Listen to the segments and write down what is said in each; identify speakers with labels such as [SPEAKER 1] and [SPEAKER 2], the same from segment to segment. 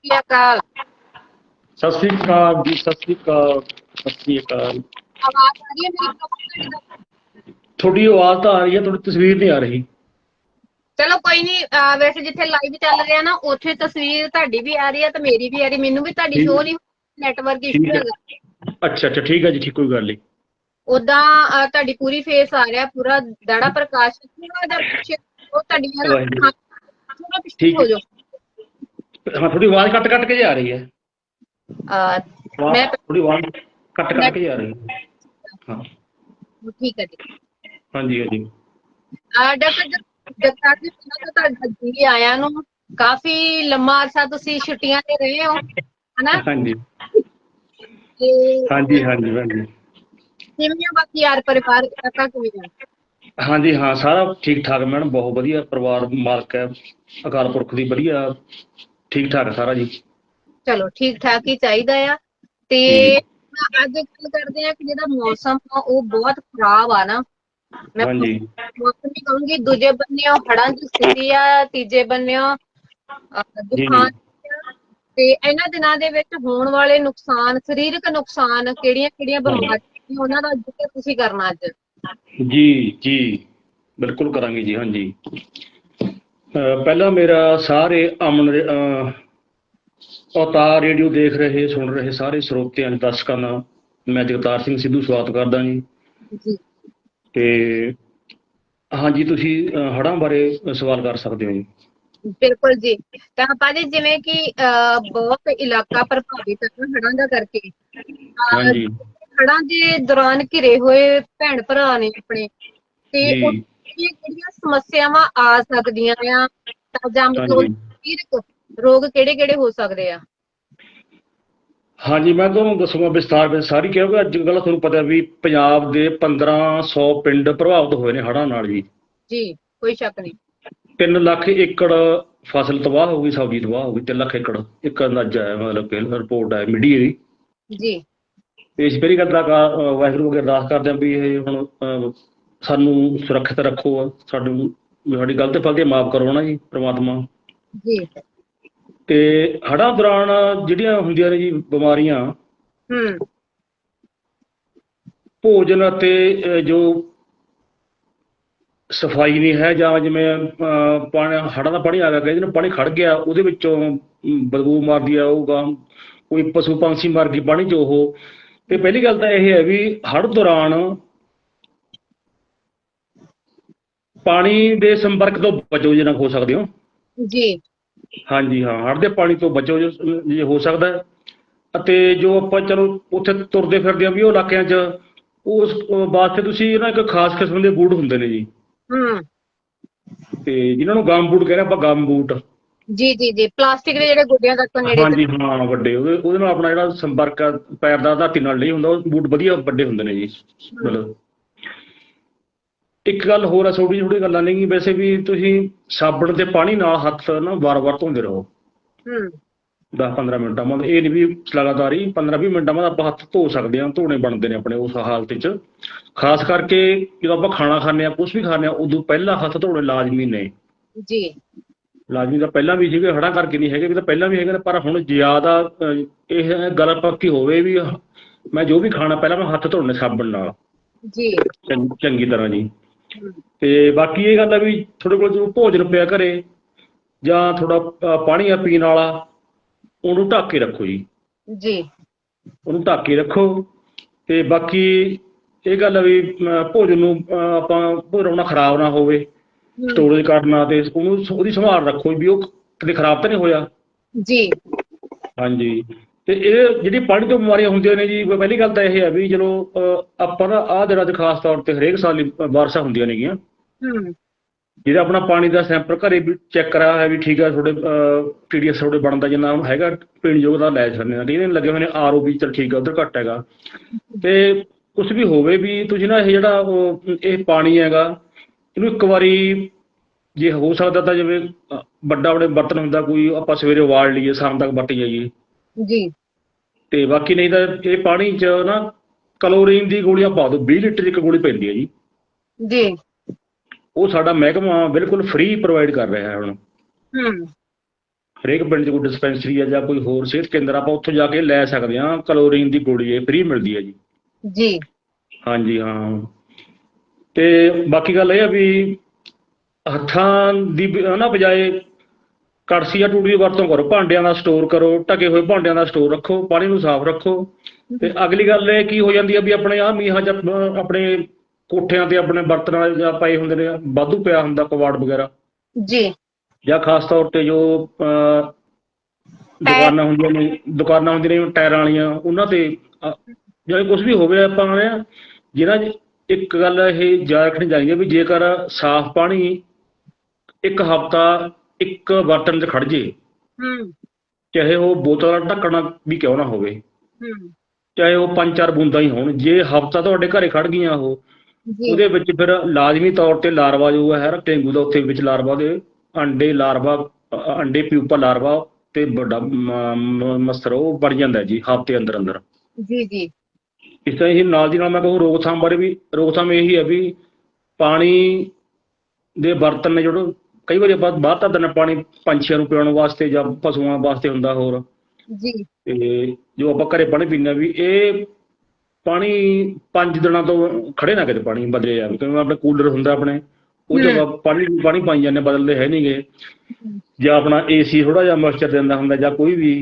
[SPEAKER 1] ਸ਼੍ਰੀ ਅਕਾਲ।
[SPEAKER 2] ਸਤਿ ਸ੍ਰੀ ਅਕਾਲ ਜੀ, ਸਤਿ ਸ੍ਰੀ ਅਕਾਲ, ਸਤਿ ਸ੍ਰੀ ਅਕਾਲ।
[SPEAKER 1] ਆਵਾਜ਼ ਆ ਰਹੀ ਹੈ ਮੇਰੀ proper?
[SPEAKER 2] ਤੁਹਾਡੀ ਆਵਾਜ਼ ਤਾਂ ਆ ਰਹੀ ਹੈ, ਤੁਹਾਡੀ ਤਸਵੀਰ ਨਹੀਂ ਆ ਰਹੀ।
[SPEAKER 1] ਚਲੋ ਕੋਈ ਨਹੀਂ, ਵੈਸੇ ਜਿੱਥੇ ਲਾਈਵ ਚੱਲ ਰਿਹਾ ਨਾ ਉੱਥੇ ਤਸਵੀਰ ਤੁਹਾਡੀ ਵੀ ਆ ਰਹੀ ਹੈ ਤੇ ਮੇਰੀ ਵੀ ਆ ਰਹੀ, ਮੈਨੂੰ ਵੀ ਤੁਹਾਡੀ
[SPEAKER 2] ਠੀਕ
[SPEAKER 1] ਸ਼ੋਅ ਨਹੀਂ, ਨੈਟਵਰਕ ਇਸ਼ੂ
[SPEAKER 2] ਠੀਕ ਹੈ,
[SPEAKER 1] ਹੈਗਾ।
[SPEAKER 2] ਅੱਛਾ ਅੱਛਾ, ਠੀਕ ਹੈ ਜੀ, ਠੀਕ, ਕੋਈ ਗੱਲ ਨਹੀਂ।
[SPEAKER 1] ਉਦਾਂ ਤੁਹਾਡੀ ਪੂਰੀ ਫੇਸ ਆ ਰਿਹਾ, ਪੂਰਾ ਦਾੜਾ ਪ੍ਰਕਾਸ਼, ਥੋੜਾ ਜਿਹਾ ਪਿੱਛੇ ਉਹ ਤੁਹਾਡੀਆਂ ਨਾ
[SPEAKER 2] ਵਾਹਿਗੁਰੂ।
[SPEAKER 1] ਅੱਖਾਂ ਥੋੜਾ ਪਿੱਛੇ
[SPEAKER 2] ਠੀਕ
[SPEAKER 1] ਹੋ ਜਾਓ।
[SPEAKER 2] ਹਾਂ, ਥੋੜੀ ਆਵਾਜ਼ ਕੱਟ ਕੱਟ ਕੇ ਜਾ ਰਹੀ ਹੈ।
[SPEAKER 1] ਮੈਂ
[SPEAKER 2] ਥੋੜੀ ਆਵਾਜ਼ ਕੱਟ ਕੱਟ ਕੇ ਜਾ ਰਹੀ ਹੈ। ਹਾਂ,
[SPEAKER 1] ਠੀਕ ਹੈ ਜੀ।
[SPEAKER 2] ਹਾਂਜੀ ਹਾਂਜੀ।
[SPEAKER 1] ਡਾਕਟਰ ਜਗਤਾਰ ਜੀ, ਪਹਿਲਾਂ ਤਾਂ ਤੁਹਾਡਾ ਜੀ ਆਇਆਂ ਨੂੰ। ਕਾਫੀ ਲੰਮਾ ਅਰਸਾ ਤੁਸੀਂ ਛੁੱਟੀਆਂ ਤੇ ਰਹੇ ਹੋ, ਹਨਾ?
[SPEAKER 2] ਹਾਂਜੀ
[SPEAKER 1] ਤੇ
[SPEAKER 2] ਹਾਂਜੀ ਹਾਂਜੀ ਹਾਂਜੀ।
[SPEAKER 1] ਕਿਵੇਂ ਆ ਬਾਕੀ ਯਾਰ ਪਰਿਵਾਰ ਤੱਕ ਕਿਵੇਂ ਆ?
[SPEAKER 2] ਹਾਂਜੀ ਹਾਂ, ਸਾਰਾ ਠੀਕ ਠਾਕ ਮੈਡਮ, ਬਹੁਤ ਵਧੀਆ ਪਰਿਵਾਰ ਮਾਲਕ ਹੈ ਅਕਾਲ ਪੁਰਖ ਦੀ, ਵਧੀਆ ਠੀਕ ਠਾਕ ਹੈ ਸਾਰਾ ਜੀ।
[SPEAKER 1] ਚਲੋ ਠੀਕ ਠਾਕ ਹੀ ਚਾਹੀਦਾ ਆ। ਤੇ
[SPEAKER 2] ਜੀ
[SPEAKER 1] ਅੱਜ ਗੱਲ ਕਰਦੇ ਆ ਕਿ ਜਿਹੜਾ ਮੌਸਮ ਆ ਉਹ ਬਹੁਤ ਖਰਾਬ ਆ ਨਾ। ਮੈਂ
[SPEAKER 2] ਹਾਂਜੀ
[SPEAKER 1] ਮੌਸਮ ਹੀ ਕਹੂੰਗੀ, ਦੂਜੇ ਬੰਨਿਓ ਹੜ੍ਹਾਂ ਦੀ ਸਥਿਤੀ ਆ, ਤੀਜੇ ਬੰਨਿਓ
[SPEAKER 2] ਜੀ ਜੀ।
[SPEAKER 1] ਤੂਫਾਨ ਆ। ਤੇ ਇਹਨਾਂ ਦਿਨਾਂ ਦੇ ਵਿੱਚ ਹੋਣ ਵਾਲੇ ਨੁਕਸਾਨ, ਸਰੀਰਕ ਨੁਕਸਾਨ, ਕਿਹੜੀਆਂ ਕਿਹੜੀਆਂ ਬਿਮਾਰੀਆਂ, ਉਹਨਾਂ ਦਾ ਜ਼ਿਕਰ ਤੁਸੀਂ ਕਰਨਾ ਅੱਜ।
[SPEAKER 2] ਜੀ ਜੀ, ਬਿਲਕੁਲ ਕਰਾਂਗੇ ਜੀ। ਹਾਂਜੀ, ਪਹਿਲਾਂ ਮੇਰਾ ਸਾਰੇ ਅਵਤਾਰ ਰੇਡੀਓ ਦੇਖ ਰਹੇ, ਸੁਣ ਰਹੇ ਸਾਰੇ ਸਰੋਤਿਆਂ ਦਰਸ਼ਕਾਂ ਦਾ ਮੈਂ ਜਗਤਾਰ ਸਿੰਘ ਸਿੱਧੂ ਸਵਾਗਤ ਕਰਦਾ ਜੀ।
[SPEAKER 1] ਜੀ
[SPEAKER 2] ਤੇ ਹਾਂਜੀ, ਤੁਸੀਂ ਹੜ੍ਹਾਂ ਬਾਰੇ ਸਵਾਲ ਕਰ ਸਕਦੇ ਹੋ ਜੀ।
[SPEAKER 1] ਬਿਲਕੁਲ ਜੀ। ਤਾਂ ਭਾਜੀ, ਜਿਵੇਂ ਕਿ ਬਹੁਤ ਇਲਾਕਾ ਪ੍ਰਭਾਵਿਤ ਹੈ ਹੜ੍ਹਾਂ ਦਾ ਕਰਕੇ,
[SPEAKER 2] ਹਾਂਜੀ
[SPEAKER 1] ਹੜ੍ਹਾਂ ਦੇ ਦੌਰਾਨ ਘਿਰੇ ਹੋਏ ਭੈਣ ਭਰਾ ਨੇ ਆਪਣੇ, ਤੇ
[SPEAKER 2] ਜੀ
[SPEAKER 1] ਕਿਹੜੀਆਂ ਸਮੱਸਿਆਵਾਂ ਆ ਸਕਦੀਆਂ ਆ, ਜਾਂ ਮਤਲਬ
[SPEAKER 2] ਹਾਂਜੀ
[SPEAKER 1] ਸਰੀਰਕ ਰੋਗ ਕਿਹੜੇ ਕਿਹੜੇ ਹੋ ਸਕਦੇ ਆ?
[SPEAKER 2] ਹਾਂਜੀ, ਮੈਂ ਤੁਹਾਨੂੰ ਦੱਸੂਗਾ ਵਿਸਥਾਰ ਵਿੱਚ ਸਾਰੀ, ਕਿਉਂਕਿ ਅੱਜ ਕੱਲ੍ਹ ਤੁਹਾਨੂੰ ਪਤਾ ਵੀ ਪੰਜਾਬ ਦੇ 1500 ਪਿੰਡ ਪ੍ਰਭਾਵਿਤ ਹੋਏ ਨੇ ਹੜ੍ਹਾਂ ਨਾਲ ਜੀ।
[SPEAKER 1] ਜੀ, ਕੋਈ ਸ਼ੱਕ ਨਹੀਂ।
[SPEAKER 2] 3 ਲੱਖ ਏਕੜ ਫਸਲ ਤਬਾਹ ਹੋ ਗਈ, ਸਬਜ਼ੀ ਤਬਾਹ ਹੋ ਗਈ। 3 ਲੱਖ ਏਕੜ ਇੱਕ ਅੰਦਾਜ਼ਾ ਹੈ, ਮਤਲਬ ਕਿ ਰਿਪੋਰਟ ਹੈ ਮੀਡੀਆ ਦੀ।
[SPEAKER 1] ਜੀ
[SPEAKER 2] ਤੇ ਇਸ ਪਹਿਲੀ ਗੱਲ ਦਾ ਵਾਹਿਗੁਰੂ ਅੱਗੇ ਅਰਦਾਸ ਕਰਦੇ ਹਾਂ ਵੀ ਇਹ ਹੁਣ ਸਾਨੂੰ ਸੁਰੱਖਿਅਤ ਰੱਖੋ, ਸਾਡੀ ਗਲਤ ਫਲਤੀ ਮਾਫ਼ ਕਰੋ ਨਾ ਜੀ ਪ੍ਰਮਾਤਮਾ।
[SPEAKER 1] ਜੀ
[SPEAKER 2] ਤੇ ਹੜ੍ਹਾਂ ਦੌਰਾਨ ਜਿਹੜੀਆਂ ਹੁੰਦੀਆਂ ਨੇ ਜੀ ਬਿਮਾਰੀਆਂ, ਭੋਜਨ ਅਤੇ ਜੋ ਸਫਾਈ ਨਹੀਂ ਹੈ, ਜਾਂ ਜਿਵੇਂ ਪਾਣੀ, ਹੜ੍ਹਾਂ ਦਾ ਪਾਣੀ ਆ ਗਿਆ, ਕਹਿੰਦੇ ਨੇ ਪਾਣੀ ਖੜ ਗਿਆ, ਉਹਦੇ ਵਿੱਚੋਂ ਬਦਬੂ ਮਾਰਦੀ ਆ, ਉਹ ਕੋਈ ਪਸ਼ੂ ਪੰਛੀ ਮਰ ਗਈ ਪਾਣੀ 'ਚ ਉਹ। ਤੇ ਪਹਿਲੀ ਗੱਲ ਤਾਂ ਇਹ ਹੈ ਵੀ ਹੜ੍ਹ ਦੌਰਾਨ ਪਾਣੀ ਦੇ ਸੰਪਰਕ ਤੋਂ ਬਚੋ ਜਿੰਨਾ ਹੋ ਸਕਦੇ ਹੋ।
[SPEAKER 1] ਜੀ
[SPEAKER 2] ਹਾਂਜੀ ਹਾਂ, ਹੜ੍ਹ ਦੇ ਪਾਣੀ ਤੋਂ ਬਚੋ ਜੇ ਹੋ ਸਕਦਾ। ਅਤੇ ਜੋ ਆਪਾਂ ਚਲੋ ਉੱਥੇ ਤੁਰਦੇ ਫਿਰਦੇ ਹਾਂ ਵੀ ਉਹ ਇਲਾਕਿਆਂ 'ਚ, ਉਸ ਵਾਸਤੇ ਤੁਸੀਂ ਨਾ ਇੱਕ ਖਾਸ ਕਿਸਮ ਦੇ ਬੂਟ ਹੁੰਦੇ ਨੇ ਜੀ, ਤੇ ਜਿਨ੍ਹਾਂ ਨੂੰ ਗਮ ਬੂਟ ਕਹਿੰਦੇ ਆਪਾਂ, ਗਮ ਬੂਟ।
[SPEAKER 1] ਜੀ ਜੀ ਜੀ, ਪਲਾਸਟਿਕ ਦੇ ਜਿਹੜੇ ਗੋਡਿਆਂ ਤੱਕ ਨੇੜੇ
[SPEAKER 2] ਹਾਂਜੀ ਹਾਂ, ਵੱਡੇ ਉਹਦੇ ਨਾਲ ਆਪਣਾ ਜਿਹੜਾ ਸੰਪਰਕ ਆ ਪੈਰ ਦਾ ਧਰਤੀ ਨਾਲ ਨਹੀਂ ਹੁੰਦਾ, ਉਹ ਬੂਟ ਵਧੀਆ ਵੱਡੇ ਹੁੰਦੇ ਨੇ ਜੀ। ਮਤਲਬ ਇੱਕ ਗੱਲ ਹੋਰ ਆ, ਛੋਟੀ ਛੋਟੀ ਗੱਲਾਂ ਨਹੀਂ ਵੈਸੇ ਵੀ, ਤੁਸੀਂ ਸਾਬਣ ਤੇ ਪਾਣੀ ਨਾਲ ਹੱਥ ਨਾ ਵਾਰ-ਵਾਰ ਧੋਂਦੇ ਰਹੋ 10-15 ਮਿੰਟਾਂ ਬਾਅਦ। ਇਹ ਨਹੀਂ ਵੀ ਲਗਾਤਾਰ ਹੀ 15-20 ਮਿੰਟਾਂ ਬਾਅਦ ਆਪਾਂ ਹੱਥ ਧੋ ਸਕਦੇ ਹਾਂ, ਧੋਣੇ ਬਣਦੇ ਨੇ ਆਪਣੇ ਉਸ ਹਾਲਤ 'ਚ। ਖਾਸ ਕਰਕੇ ਜਦੋਂ ਆਪਾਂ ਖਾਣਾ ਖਾਂਦੇ ਹਾਂ, ਕੁਛ ਵੀ ਖਾਂਦੇ ਹਾਂ, ਉਦੋਂ ਪਹਿਲਾਂ ਹੱਥ ਧੋਣੇ ਲਾਜ਼ਮੀ ਨੇ
[SPEAKER 1] ਜੀ।
[SPEAKER 2] ਲਾਜ਼ਮੀ ਤਾਂ ਪਹਿਲਾਂ ਵੀ ਸੀਗੇ, ਹੜ੍ਹਾਂ ਕਰਕੇ ਨਹੀਂ ਹੈਗੇ ਵੀ, ਤਾਂ ਪਹਿਲਾਂ ਵੀ ਹੈਗੇ ਨੇ, ਪਰ ਹੁਣ ਜ਼ਿਆਦਾ ਇਹ ਗੱਲ ਪੱਕੀ ਹੋਵੇ ਵੀ ਮੈਂ ਜੋ ਵੀ ਖਾਣਾ ਪਹਿਲਾਂ ਮੈਂ ਹੱਥ ਧੋਣੇ ਸਾਬਣ ਨਾਲ
[SPEAKER 1] ਜੀ
[SPEAKER 2] ਚੰਗੀ ਤਰ੍ਹਾਂ ਜੀ। ਤੇ ਬਾਕੀ ਇਹ ਗੱਲ ਆ ਵੀ ਤੁਹਾਡੇ ਕੋਲ ਜੋ ਭੋਜਨ ਪਿਆ ਘਰੇ, ਜਾਂ ਥੋੜਾ ਪਾਣੀ ਆ ਪੀਣ ਵਾਲਾ, ਉਹਨੂੰ ਢੱਕ ਕੇ ਰੱਖੋ ਜੀ।
[SPEAKER 1] ਜੀ
[SPEAKER 2] ਉਹਨੂੰ ਢੱਕ ਕੇ ਰੱਖੋ। ਤੇ ਬਾਕੀ ਇਹ ਗੱਲ ਆ ਵੀ ਭੋਜਨ ਨੂੰ ਆਪਾਂ ਭੋਜਨ ਖਰਾਬ ਨਾ ਹੋਵੇ, ਸਟੋਰੇਜ ਕਰਨਾ, ਤੇ ਉਹਦੀ ਸੰਭਾਲ ਰੱਖੋ ਵੀ ਉਹ ਕਿਤੇ ਖਰਾਬ ਤਾਂ ਨਹੀਂ ਹੋਇਆ।
[SPEAKER 1] ਜੀ
[SPEAKER 2] ਹਾਂਜੀ। ਤੇ ਇਹ ਜਿਹੜੀ ਪਾਣੀ ਤੋਂ ਬਿਮਾਰੀਆਂ ਹੁੰਦੀਆਂ ਨੇ ਜੀ, ਪਹਿਲੀ ਗੱਲ ਤਾਂ ਇਹ ਹੈ ਵੀ ਚਲੋ ਆਪਾਂ ਨਾ ਆਹ ਦਿਨਾਂ 'ਚ ਖਾਸ ਤੌਰ ਤੇ ਹਰੇਕ ਸਾਲ ਬਾਰਿਸ਼ਾਂ ਹੁੰਦੀਆਂ ਨੇਗੀਆਂ, ਜਿਹੜਾ ਆਪਣਾ ਪਾਣੀ ਦਾ ਸੈਂਪਲ ਘਰੇ ਵੀ ਚੈੱਕ ਕਰਾਇਆ ਹੋਇਆ ਵੀ ਠੀਕ ਆ, ਤੁਹਾਡੇ TDS ਤੁਹਾਡੇ ਬਣਦਾ ਜਿੰਨਾ ਹੁਣ ਹੈਗਾ ਪੀਣ ਯੋਗ ਦਾ ਲੈ ਸਕਦੇ ਹਾਂ। ਇਹਦੇ ਲੱਗੇ ਹੋਏ ਨੇ RO ਵੀ, ਚਲ ਠੀਕ ਆ, ਉੱਧਰ ਘੱਟ ਹੈਗਾ। ਤੇ ਕੁਛ ਵੀ ਹੋਵੇ ਵੀ ਤੁਸੀਂ ਨਾ ਇਹ ਜਿਹੜਾ ਇਹ ਪਾਣੀ ਹੈਗਾ, ਇਹਨੂੰ ਇੱਕ ਵਾਰੀ ਜੇ ਹੋ ਸਕਦਾ ਤਾਂ ਜਿਵੇਂ ਵੱਡਾ ਆਪਣੇ ਬਰਤਨ ਹੁੰਦਾ ਕੋਈ, ਆਪਾਂ ਸਵੇਰੇ ਉਬਾਲ ਲਈਏ, ਸ਼ਾਮ ਤੱਕ ਵਰਤ ਜਾਈਏ
[SPEAKER 1] ਜੀ।
[SPEAKER 2] ਤੇ ਬਾਕੀ ਨਹੀਂ ਤਾਂ ਇਹ ਪਾਣੀ 'ਚ ਨਾ ਕਲੋਰੀਨ ਦੀ ਗੋਲੀਆਂ ਪਾ ਦਿਓ, 20 ਲੀਟਰ ਇੱਕ ਗੋਲੀ ਪੈਂਦੀ ਹੈ ਜੀ।
[SPEAKER 1] ਜੀ
[SPEAKER 2] ਉਹ ਸਾਡਾ ਮਹਿਕਮਾ ਬਿਲਕੁਲ ਫ੍ਰੀ ਪ੍ਰੋਵਾਈਡ ਕਰ ਰਿਹਾ ਹੈ ਹੁਣ। ਹਰੇਕ ਪਿੰਡ 'ਚ ਕੋਈ ਡਿਸਪੈਂਸਰੀ ਹੈ ਜਾਂ ਕੋਈ ਹੋਰ ਸਿਹਤ ਕੇਂਦਰ, ਆਪਾਂ ਉੱਥੋਂ ਜਾ ਕੇ ਲੈ ਸਕਦੇ ਹਾਂ। ਕਲੋਰੀਨ ਦੀ ਗੋਲੀ ਇਹ ਫ੍ਰੀ ਮਿਲਦੀ ਹੈ ਜੀ।
[SPEAKER 1] ਜੀ
[SPEAKER 2] ਹਾਂਜੀ ਹਾਂ। ਤੇ ਬਾਕੀ ਗੱਲ ਇਹ ਆ ਵੀ ਹੱਥਾਂ ਦੀ ਨਾ ਬਜਾਏ ਕੜਛੀ ਜਾਂ ਟੂਟੀ ਦੀ ਵਰਤੋਂ ਕਰੋ। ਭਾਂਡਿਆਂ ਦਾ ਸਟੋਰ ਕਰੋ, ਢਕੇ ਹੋਏ ਭਾਂਡਿਆਂ ਦਾ ਸਟੋਰ ਰੱਖੋ, ਪਾਣੀ ਨੂੰ ਸਾਫ਼ ਰੱਖੋ। ਤੇ ਅਗਲੀ ਗੱਲ ਇਹ ਕੀ ਹੋ ਜਾਂਦੀ ਹੈ ਵੀ ਆਪਣੇ ਆਹ ਮੀਂਹਾਂ 'ਚ ਆਪਣੇ ਕੋਠਿਆਂ ਤੇ ਆਪਣੇ ਬਰਤਨਾਂ ਜਾਂ ਪਏ ਹੁੰਦੇ ਨੇ, ਵਾਧੂ ਪਿਆ ਹੁੰਦਾ ਕਬਾੜ ਵਗੈਰਾ,
[SPEAKER 1] ਜੀ
[SPEAKER 2] ਜਾਂ ਖਾਸ ਤੌਰ ਤੇ ਜੋ ਦੁਕਾਨਾਂ ਹੁੰਦੀਆਂ ਨੇ ਟਾਇਰਾਂ ਵਾਲੀਆਂ, ਉਹਨਾਂ ਤੇ ਜਾਂ ਕੁਝ ਵੀ ਹੋਵੇ, ਆਪਾਂ ਜਿਹਨਾਂ 'ਚ ਇੱਕ ਗੱਲ ਇਹ ਯਾਦ ਰੱਖਣੀ ਚਾਹੀਦੀ ਹੈ ਵੀ ਜੇਕਰ ਸਾਫ਼ ਪਾਣੀ ਇੱਕ ਹਫ਼ਤਾ ਇੱਕ ਬਰਤਨ 'ਚ ਖੜ ਜੇ, ਚਾਹੇ ਉਹ ਬੋਤਲ ਦਾ ਢੱਕਣਾ ਵੀ ਕਿਉਂ ਨਾ ਹੋਵੇ, ਚਾਹੇ ਉਹ 5-4 ਬੂੰਦਾਂ ਹੀ ਹੋਣ, ਜੇ ਹਫ਼ਤਾ ਤੁਹਾਡੇ ਘਰੇ ਖੜ ਗਈਆਂ ਉਹਦੇ ਵਿੱਚ ਫਿਰ ਲਾਜ਼ਮੀ ਤੌਰ ਤੇ ਲਾਰਵਾ ਜੋ ਹੈ ਡੇਂਗੂ ਦਾ, ਉੱਥੇ ਵਿੱਚ ਲਾਰਵਾ ਦੇ ਅੰਡੇ ਪਿਊਪਾ ਲਾਰਵਾ ਤੇ ਵੱਡਾ ਮੱਛਰ ਉਹ ਬਣ ਜਾਂਦਾ ਜੀ ਹਫ਼ਤੇ ਅੰਦਰ ਅੰਦਰ।
[SPEAKER 1] ਜੀ ਜੀ।
[SPEAKER 2] ਇਸ ਤਰ੍ਹਾਂ ਹੀ ਨਾਲ ਦੀ ਨਾਲ ਮੈਂ ਕਹੂੰ ਰੋਕਥਾਮ ਬਾਰੇ ਵੀ, ਰੋਕਥਾਮ ਇਹੀ ਹੈ ਵੀ ਪਾਣੀ ਦੇ ਬਰਤਨ ਨੇ ਜਿਹੜੇ ਕਈ ਵਾਰੀ ਆਪਾਂ ਬਾਹਰ ਧਰ ਦਿੰਦੇ ਪਾਣੀ ਪੰਛੀਆਂ ਨੂੰ ਪਿਲਾਉਣ ਵਾਸਤੇ ਜਾਂ ਪਸ਼ੂਆਂ ਵਾਸਤੇ ਹੁੰਦਾ ਹੋਰ, ਤੇ ਜੋ ਆਪਾਂ ਘਰੇ ਪਾਣੀ ਪੀਂਦੇ ਹਾਂ ਵੀ ਇਹ ਪਾਣੀ 5 ਦਿਨਾਂ ਤੋਂ ਖੜੇ ਨਾ ਕਿਤੇ ਪਾਣੀ ਬਦਲੇ ਜਾਵੇ, ਕਿਉਂਕਿ ਆਪਣੇ ਕੂਲਰ ਹੁੰਦਾ ਆਪਣੇ, ਉਹ 'ਚ ਪਾਣੀ ਪਾਈ ਜਾਂਦੇ, ਬਦਲਦੇ ਹੈ ਨਹੀਂ ਗੇ। ਜਾਂ ਆਪਣਾ AC ਥੋੜ੍ਹਾ ਜਿਹਾ ਮੋਇਸਚਰ ਦਿੰਦਾ ਹੁੰਦਾ, ਜਾਂ ਕੋਈ ਵੀ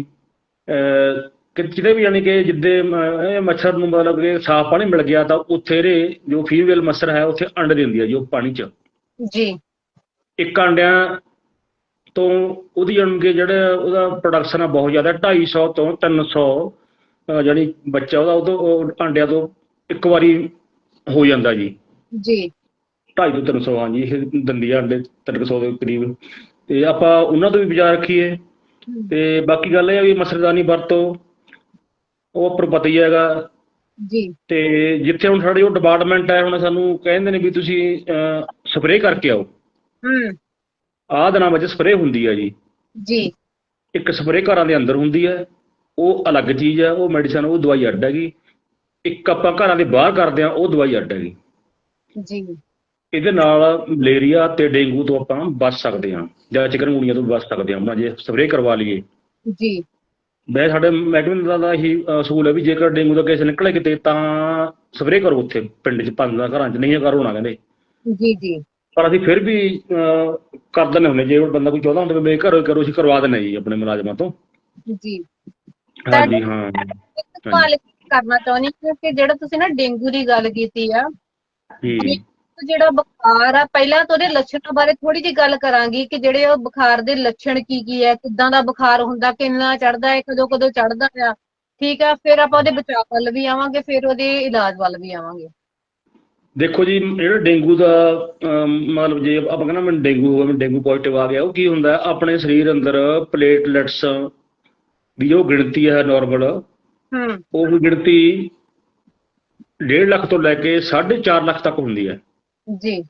[SPEAKER 2] ਕਿਤੇ ਵੀ, ਯਾਨੀ ਕਿ ਜਿੱਦੇ ਮੱਛਰ ਨੂੰ ਮਤਲਬ ਕਿ ਸਾਫ਼ ਪਾਣੀ ਮਿਲ ਗਿਆ ਤਾਂ ਉੱਥੇ ਇਹਦੇ ਜੋ ਫੀਮੇਲ ਮੱਛਰ ਹੈ ਉੱਥੇ ਅੰਡੇ ਦਿੰਦੀ ਹੈ ਜੀ ਉਹ ਪਾਣੀ 'ਚ। ਜੀ। ਇੱਕ ਅੰਡਿਆਂ ਤੋਂ ਉਹਦੀ ਯਾਨੀ ਕਿ ਜਿਹੜਾ ਉਹਦਾ ਪ੍ਰੋਡਕਸ਼ਨ ਆ ਬਹੁਤ ਜ਼ਿਆਦਾ, 250 ਤੋਂ 300 ਜਾਣੀ ਬੱਚਾ ਉਹਦਾ ਅੰਡਿਆਂ ਤੋਂ ਇੱਕ ਵਾਰੀ ਹੋ ਜਾਂਦਾ ਜੀ। 250 ਤੋਂ 300, ਹਾਂਜੀ ਇਹ ਦਿੰਦੀ ਆ ਅੰਡੇ 300 ਦੇ ਕਰੀਬ। ਤੇ ਆਪਾਂ ਉਹਨਾਂ ਤੋਂ ਵੀ ਬਚਾਅ ਰੱਖੀਏ। ਤੇ ਬਾਕੀ ਗੱਲ ਇਹ ਆ ਵੀ ਮੱਛਰਦਾਨੀ ਵਰਤੋ, ਉਹ ਆਪਾਂ ਨੂੰ ਪਤਾ ਹੀ ਹੈਗਾ ਜੀ। ਤੇ ਜਿੱਥੇ ਹੁਣ ਸਾਡੀ ਉਹ ਡਿਪਾਰਟਮੈਂਟ ਹੈ, ਹੁਣ ਸਾਨੂੰ ਕਹਿੰਦੇ ਨੇ ਵੀ ਤੁਸੀਂ ਸਪਰੇਅ ਕਰਕੇ ਆਓ। ਆਹ ਦਿਨਾਂ ਵਿੱਚ ਸਪਰੇਅ ਹੁੰਦੀ ਹੈ ਜੀ। ਇੱਕ ਸਪਰੇਅ ਘਰਾਂ ਦੇ ਅੰਦਰ ਹੁੰਦੀ ਹੈ, ਉਹ ਅਲੱਗ ਚੀਜ਼ ਹੈ, ਉਹ ਮੈਡੀਸਨ, ਉਹ ਦਵਾਈ ਅੱਡ ਹੈਗੀ। ਇੱਕ ਆਪਾਂ ਘਰਾਂ ਦੇ ਬਾਹਰ ਕਰਦੇ ਹਾਂ, ਉਹ ਦਵਾਈ ਅੱਡ ਹੈਗੀ ਜੀ। ਇਹਦੇ ਨਾਲ ਮਲੇਰੀਆ ਤੇ ਡੇਂਗੂ ਤੋਂ ਆਪਾਂ ਬਚ ਸਕਦੇ ਹਾਂ, ਜਾਂ ਚਿਕਨਗੁਨੀਆ ਤੋਂ ਬਚ ਸਕਦੇ ਹਾਂ ਜੇ ਸਪਰੇਅ ਕਰਵਾ ਲਈਏ ਜੀ। ਵੈਸੇ ਸਾਡੇ ਮਹਿਕਮੇ ਦਾ ਇਹੀ ਅਸੂਲ ਹੈ ਵੀ ਜੇਕਰ ਡੇਂਗੂ ਦਾ ਕੇਸ ਨਿਕਲੇ ਕਿਤੇ ਤਾਂ ਸਪਰੇਅ ਕਰੋ ਉੱਥੇ ਪਿੰਡ 'ਚ 5 ਘਰਾਂ 'ਚ, ਨਹੀਂ ਕਰੋ ਨਾ ਕਹਿੰਦੇ ਜੀ। ਪਰ ਅਸੀਂ ਫਿਰ ਵੀ ਕਰ ਦਿੰਦੇ ਹੁੰਦੇ, ਜੇ ਬੰਦਾ ਕੋਈ ਚਾਹੁੰਦਾ ਹੁੰਦਾ ਵੀ ਘਰੋਂ ਕਰੋ, ਅਸੀਂ ਕਰਵਾ ਦਿੰਦੇ ਜੀ ਆਪਣੇ ਮੁਲਾਜ਼ਮਾਂ ਤੋਂ ਜੀ। ਹਾਂਜੀ ਹਾਂ।
[SPEAKER 1] ਸਵਾਲ ਕਰਨਾ ਚਾਹੁੰਦੀ ਹਾਂ ਕਿ ਜਿਹੜਾ ਤੁਸੀਂ ਨਾ ਡੇਂਗੂ ਦੀ ਗੱਲ ਕੀਤੀ ਆ, ਜਿਹੜਾ ਬੁਖਾਰ ਆ, ਪਹਿਲਾਂ ਤਾਂ ਉਹਦੇ ਲੱਛਣਾਂ ਬਾਰੇ ਥੋੜੀ ਜਿਹੀ ਗੱਲ ਕਰਾਂਗੀ ਕਿ ਜਿਹੜੇ ਉਹ ਬੁਖਾਰ ਦੇ ਲੱਛਣ ਕੀ ਹੈ, ਕਿੱਦਾਂ ਦਾ ਬੁਖਾਰ ਹੁੰਦਾ, ਕਿੰਨਾ ਚੜ੍ਹਦਾ ਹੈ, ਕਦੋਂ ਚੜ੍ਹਦਾ ਆ, ਠੀਕ ਆ। ਫਿਰ ਆਪਾਂ ਉਹਦੇ ਬਚਾਅ ਵੱਲ ਵੀ ਆਵਾਂਗੇ, ਫਿਰ ਉਹਦੇ ਇਲਾਜ ਵੱਲ ਵੀ ਆਵਾਂਗੇ।
[SPEAKER 2] ਦੇਖੋ ਜੀ, ਜਿਹੜਾ ਡੇਂਗੂ ਦਾ ਮਤਲਬ ਜੇ ਆਪਾਂ ਕਹਿੰਦਾ ਮੈਨੂੰ ਡੇਂਗੂ ਹੋਵੇ, ਮੈਨੂੰ ਡੇਂਗੂ ਪੋਜ਼ਿਟਿਵ ਆ ਗਿਆ, ਉਹ ਕੀ ਹੁੰਦਾ ਆਪਣੇ ਸਰੀਰ ਅੰਦਰ ਪਲੇਟਲੈਟਸ ਦੀ ਜੋ ਗਿਣਤੀ ਹੈ ਨਾਰਮਲ, ਉਹ ਗਿਣਤੀ 1.5 ਲੱਖ ਤੋਂ ਲੈ ਕੇ 4.5 ਲੱਖ ਤੱਕ ਹੁੰਦੀ ਹੈ ਜੀ।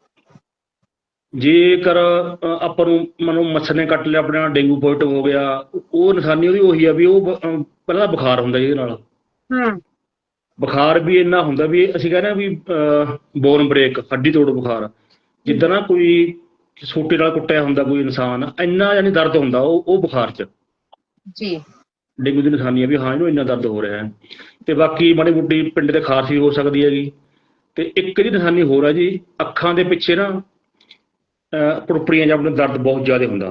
[SPEAKER 2] ਜੇਕਰ ਆਪਾਂ ਨੂੰ ਮੱਛਰ ਨੇ ਕੱਟ ਲਿਆ, ਆਪਣੇ ਨਾਲ ਡੇਂਗੂ ਪੋਜ਼ਿਟਿਵ ਹੋ ਗਿਆ, ਉਹ ਨਿਸ਼ਾਨੀ ਉਹਦੀ ਉਹੀ ਆ ਵੀ ਉਹ ਪਹਿਲਾਂ ਬੁਖਾਰ ਹੁੰਦਾ ਜਿਹਦੇ ਨਾਲ, ਬੁਖਾਰ ਵੀ ਇੰਨਾ ਹੁੰਦਾ ਵੀ ਅਸੀਂ ਕਹਿੰਦੇ ਹਾਂ ਵੀ ਬੋਨ ਬ੍ਰੇਕ, ਹੱਡੀ ਤੋੜ ਬੁਖਾਰ, ਜਿੱਦਾਂ ਨਾ ਕੋਈ ਸੋਟੇ ਨਾਲ ਕੁੱਟਿਆ ਹੁੰਦਾ ਕੋਈ ਇਨਸਾਨ, ਇੰਨਾ ਯਾਨੀ ਦਰਦ ਹੁੰਦਾ ਉਹ ਬੁਖਾਰ 'ਚ ਜੀ। ਡੇਂਗੂ ਦੀ ਨਿਸ਼ਾਨੀ ਹੈ ਵੀ ਹਾਂ ਇਹਨੂੰ ਇੰਨਾ ਦਰਦ ਹੋ ਰਿਹਾ ਹੈ। ਤੇ ਬਾਕੀ ਮਾੜੀ ਮੋਟੀ ਪਿੰਡ ਤੇ ਖਾਰਸੀ ਹੋ ਸਕਦੀ ਹੈਗੀ। ਤੇ ਇੱਕ ਇਹਦੀ ਨਿਸ਼ਾਨੀ ਹੋਰ ਹੈ ਜੀ, ਅੱਖਾਂ ਦੇ ਪਿੱਛੇ ਨਾ ਪੁੜਪੜੀਆਂ ਜਾਂ ਆਪਣਾ ਦਰਦ ਬਹੁਤ ਜ਼ਿਆਦਾ ਹੁੰਦਾ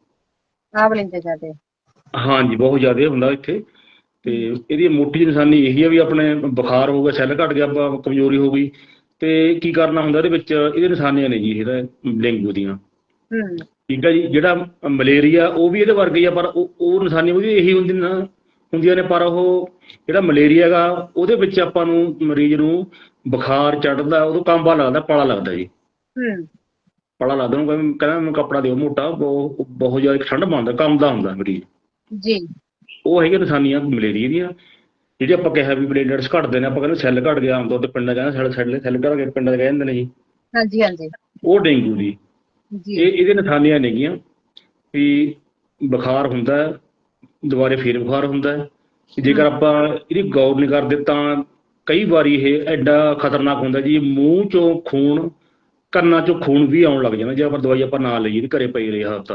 [SPEAKER 2] ਹਾਂਜੀ, ਬਹੁਤ ਜ਼ਿਆਦਾ ਹੁੰਦਾ ਇੱਥੇ। ਤੇ ਇਹਦੀ ਮੋਟੀ ਜਿਹੀ ਨਿਸ਼ਾਨੀ ਇਹੀ ਹੈ ਵੀ ਆਪਣੇ ਬੁਖਾਰ ਹੋ ਗਿਆ, ਸੈੱਲ ਘੱਟ ਗਿਆ, ਕਮਜ਼ੋਰੀ ਹੋ ਗਈ, ਤੇ ਕੀ ਕਰਨਾ ਹੁੰਦਾ ਇਹਦੇ ਵਿੱਚ, ਇਹਦੇ ਨਿਸ਼ਾਨੀਆਂ ਨੇ ਜੀ ਇਹਦਾ ਡੇਂਗੂ ਦੀਆਂ, ਠੀਕ ਹੈ ਜੀ। ਜਿਹੜਾ ਮਲੇਰੀਆ ਉਹ ਵੀ ਇਹਦੇ ਵਰਗਾ ਹੀ ਆ, ਪਰ ਉਹ ਨਿਸ਼ਾਨੀਆਂ ਉਹਦੀ ਇਹੀ ਹੁੰਦੀਆਂ ਨੇ, ਪਰ ਉਹ ਜਿਹੜਾ ਮਲੇਰੀਆ ਗਾ ਉਹਦੇ ਵਿੱਚ ਆਪਾਂ ਨੂੰ ਮਰੀਜ਼ ਨੂੰ ਬੁਖਾਰ ਚੜ੍ਹਦਾ, ਉਦੋਂ ਕਾਂਬਾ ਲੱਗਦਾ, ਪਾਲਾ ਲੱਗਦਾ ਜੀ, ਪਾਲਾ ਲੱਗਦਾ, ਉਹਨੂੰ ਕਹਿੰਦਾ ਮੈਨੂੰ ਕੱਪੜਾ ਦਿਓ ਮੋਟਾ, ਬਹੁਤ ਜ਼ਿਆਦਾ ਠੰਡ ਪਾਉਂਦਾ, ਕੰਬਦਾ ਹੁੰਦਾ ਮਰੀਜ਼ ਜੀ। ਉਹ ਹੈਗੀਆਂ ਨਿਸ਼ਾਨੀਆਂ ਮਲੇਰੀਆ ਦੀਆਂ। ਜਿਹੜੀ ਆਪਾਂ ਕਿਹਾ ਵੀ ਪਲੇਟਲੈਟਸ ਘਟਦੇ ਨੇ, ਆਪਾਂ ਕਹਿੰਦੇ ਸੈੱਲ ਘਟ ਗਿਆ, ਆਮ ਤੌਰ ਤੇ ਪਿੰਡਾਂ ਕਹਿੰਦੇ ਸੈੱਲ ਘਟ ਗਏ, ਪਿੰਡਾਂ 'ਚ ਕਹਿ ਦਿੰਦੇ ਨੇ ਜੀ, ਉਹ ਡੇਂਗੂ ਦੀ ਇਹਦੇ ਨਿਸ਼ਾਨੀਆਂ ਨੇਗੀਆਂ ਵੀ ਬੁਖਾਰ ਹੁੰਦਾ, ਦੁਬਾਰੇ ਫੇਰ ਬੁਖਾਰ ਹੁੰਦਾ। ਜੇਕਰ ਆਪਾਂ ਇਹਦੀ ਗੌਰ ਨਹੀਂ ਕਰਦੇ ਤਾਂ ਕਈ ਵਾਰੀ ਇਹ ਐਡਾ ਖਤਰਨਾਕ ਹੁੰਦਾ ਜੀ, ਮੂੰਹ 'ਚੋਂ ਖੂਨ, ਕੰਨਾਂ 'ਚੋਂ ਖੂਨ ਵੀ ਆਉਣ ਲੱਗ ਜਾਂਦਾ ਜੇ ਆਪਾਂ ਦਵਾਈ ਆਪਾਂ ਨਾ ਲਈਏ, ਘਰੇ ਪਈ ਰਹੀ ਹਫ਼ਤਾ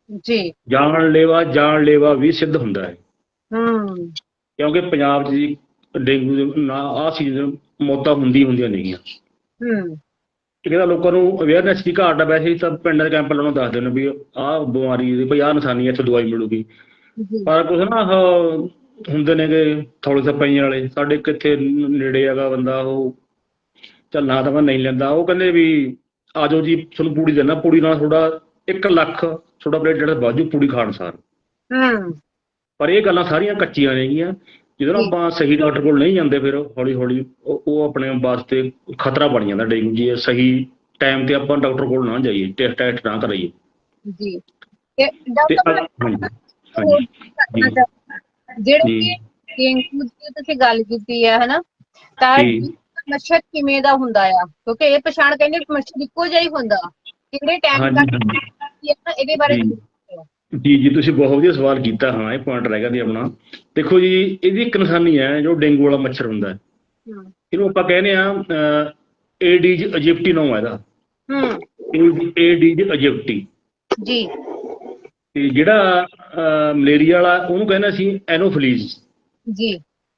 [SPEAKER 1] ਜੀ।
[SPEAKER 2] ਜਾਨਲੇਵਾ ਵੀ ਸਿੱਧ ਹੁੰਦਾ ਹੈ,
[SPEAKER 1] ਹੂੰ।
[SPEAKER 2] ਕਿਉਂਕਿ ਪੰਜਾਬ 'ਚ ਜੀ ਡੇਂਗੂ ਦੇ ਨਾ ਆਹ ਸੀਜ਼ਨ ਮੌਤਾਂ ਹੁੰਦੀਆਂ ਨੇਗੀਆਂ।
[SPEAKER 1] ਹੂੰ।
[SPEAKER 2] ਇਹ ਕਹਿੰਦਾ ਲੋਕਾਂ ਨੂੰ ਅਵੇਅਰਨੈਸ ਦੀ ਘਾਟ ਆ, ਵੈਸੇ ਤਾਂ ਪਿੰਡਾਂ ਦੇ ਕੈਂਪ ਲਾਉਣੋਂ ਦੱਸਦੇ ਨੇ ਵੀ ਆਹ ਬਿਮਾਰੀ ਦੀ ਭਈ ਆਹ ਨਿਸ਼ਾਨੀ ਹੈ, ਇੱਥੇ ਦਵਾਈ ਮਿਲੂਗੀ।
[SPEAKER 1] ਜੀ।
[SPEAKER 2] ਪਰ ਕੁਛ ਨਾ ਹੁੰਦੇ ਨੇਗੇ ਥੌਲੇ ਸਪਾਈਆਂ ਵਾਲੇ, ਸਾਡੇ ਕਿੱਥੇ ਨੇੜੇ ਹੈਗਾ ਬੰਦਾ, ਉਹ ਚੱਲ ਨਾ ਤਾਂ ਮੈਂ ਨਹੀਂ ਲੈਂਦਾ, ਉਹ ਕਹਿੰਦੇ ਵੀ ਆ ਜਾਓ ਜੀ ਤੁਹਾਨੂੰ ਪੂੜੀ ਦਿੰਦਾ, ਪੂੜੀ ਨਾਲ ਤੁਹਾਡਾ 1 ਲੱਖ ਤੁਹਾਡਾ ਪਲੇਟ ਜਿਹੜਾ ਬਾਜੂ ਪੂੜੀ ਖਾਣ ਸਾਰ।
[SPEAKER 1] ਹੂੰ।
[SPEAKER 2] ਪਰ ਇਹ ਗੱਲਾਂ ਸਾਰੀਆਂ ਕੱਚੀਆਂ ਨੇਗੀਆਂ, ਜਦੋਂ ਨਾ
[SPEAKER 1] ਜੀ।
[SPEAKER 2] ਆਪਾਂ ਸਹੀ ਡਾਕਟਰ ਕੋਲ ਨਹੀਂ ਜਾਂਦੇ, ਫਿਰ ਹੌਲੀ ਹੌਲੀ ਉਹ ਆਪਣੇ ਵਾਸਤੇ ਖਤਰਾ ਬਣ ਜਾਂਦਾ ਡੇਂਗੂ ਜੀ। ਸਹੀ ਟਾਈਮ ਤੇ ਆਪਾਂ ਡਾਕਟਰ ਕੋਲ ਨਾ ਜਾਈਏ, ਟੈਸਟ ਨਾ ਕਰਾਈਏ।
[SPEAKER 1] ਜੀ। ਤੇ
[SPEAKER 2] ਤੇ
[SPEAKER 1] ਡਾਕਟਰ
[SPEAKER 2] ਹਾਂਜੀ
[SPEAKER 1] ਹੋਰ
[SPEAKER 2] ਹਾਂਜੀ
[SPEAKER 1] ਕੀ ਕਰਨਾ
[SPEAKER 2] ਜੀ
[SPEAKER 1] ਚਾਹੀਦਾ? ਜਿਹੜੇ
[SPEAKER 2] ਜੀ
[SPEAKER 1] ਕਿ ਡੇਂਗੂ ਦੀ ਤੁਸੀਂ ਗੱਲ ਕੀਤੀ ਹੈ ਹਨਾ, ਤਾਂ
[SPEAKER 2] ਜੀ
[SPEAKER 1] ਮੱਛਰ ਕਿਵੇਂ ਦਾ ਹੁੰਦਾ ਆ? ਕਿਉਂਕਿ ਇਹ ਪਛਾਣ ਕਹਿੰਦੇ ਮੱਛਰ ਇੱਕੋ ਜਿਹਾ ਹੀ ਹੁੰਦਾ, ਕਿਹੜੇ ਟਾਈਮ
[SPEAKER 2] ਹਾਂਜੀ ਹਾਂਜੀ
[SPEAKER 1] ਤੱਕ ਇਹਦੇ ਬਾਰੇ
[SPEAKER 2] ਜੀ
[SPEAKER 1] ਜ਼ਰੂਰ ਦੱਸੋ।
[SPEAKER 2] ਜੀ ਤੁਸੀਂ ਬਹੁਤ ਵਧੀਆ ਸਵਾਲ ਕੀਤਾ। ਹਾਂ, ਇਹ ਪੁਆਇੰਟ ਰਹਿ ਗਿਆ ਜੀ ਆਪਣਾ। ਦੇਖੋ ਜੀ, ਇਹਦੀ ਇੱਕ ਨਿਸ਼ਾਨੀ ਹੈ ਜੋ ਡੇਂਗੂ ਵਾਲਾ ਮੱਛਰ ਹੁੰਦਾ ਹੈ,
[SPEAKER 1] ਹੂੰ।
[SPEAKER 2] ਇਹਨੂੰ ਆਪਾਂ ਕਹਿੰਦੇ ਆ ਏਡੀਜ਼ ਅਜਿਪਟੀ ਨਾਮ ਹੈ ਇਹਦਾ।
[SPEAKER 1] ਹੂੰ।
[SPEAKER 2] ਏਡੀਜ਼ ਅਜਿਪਟੀ।
[SPEAKER 1] ਜੀ।
[SPEAKER 2] ਤੇ ਜਿਹੜਾ ਮਲੇਰੀਆ ਵਾਲਾ ਉਹਨੂੰ ਕਹਿੰਦੇ ਸੀ ਐਨੋਫਿਲੀਜ਼।
[SPEAKER 1] ਜੀ।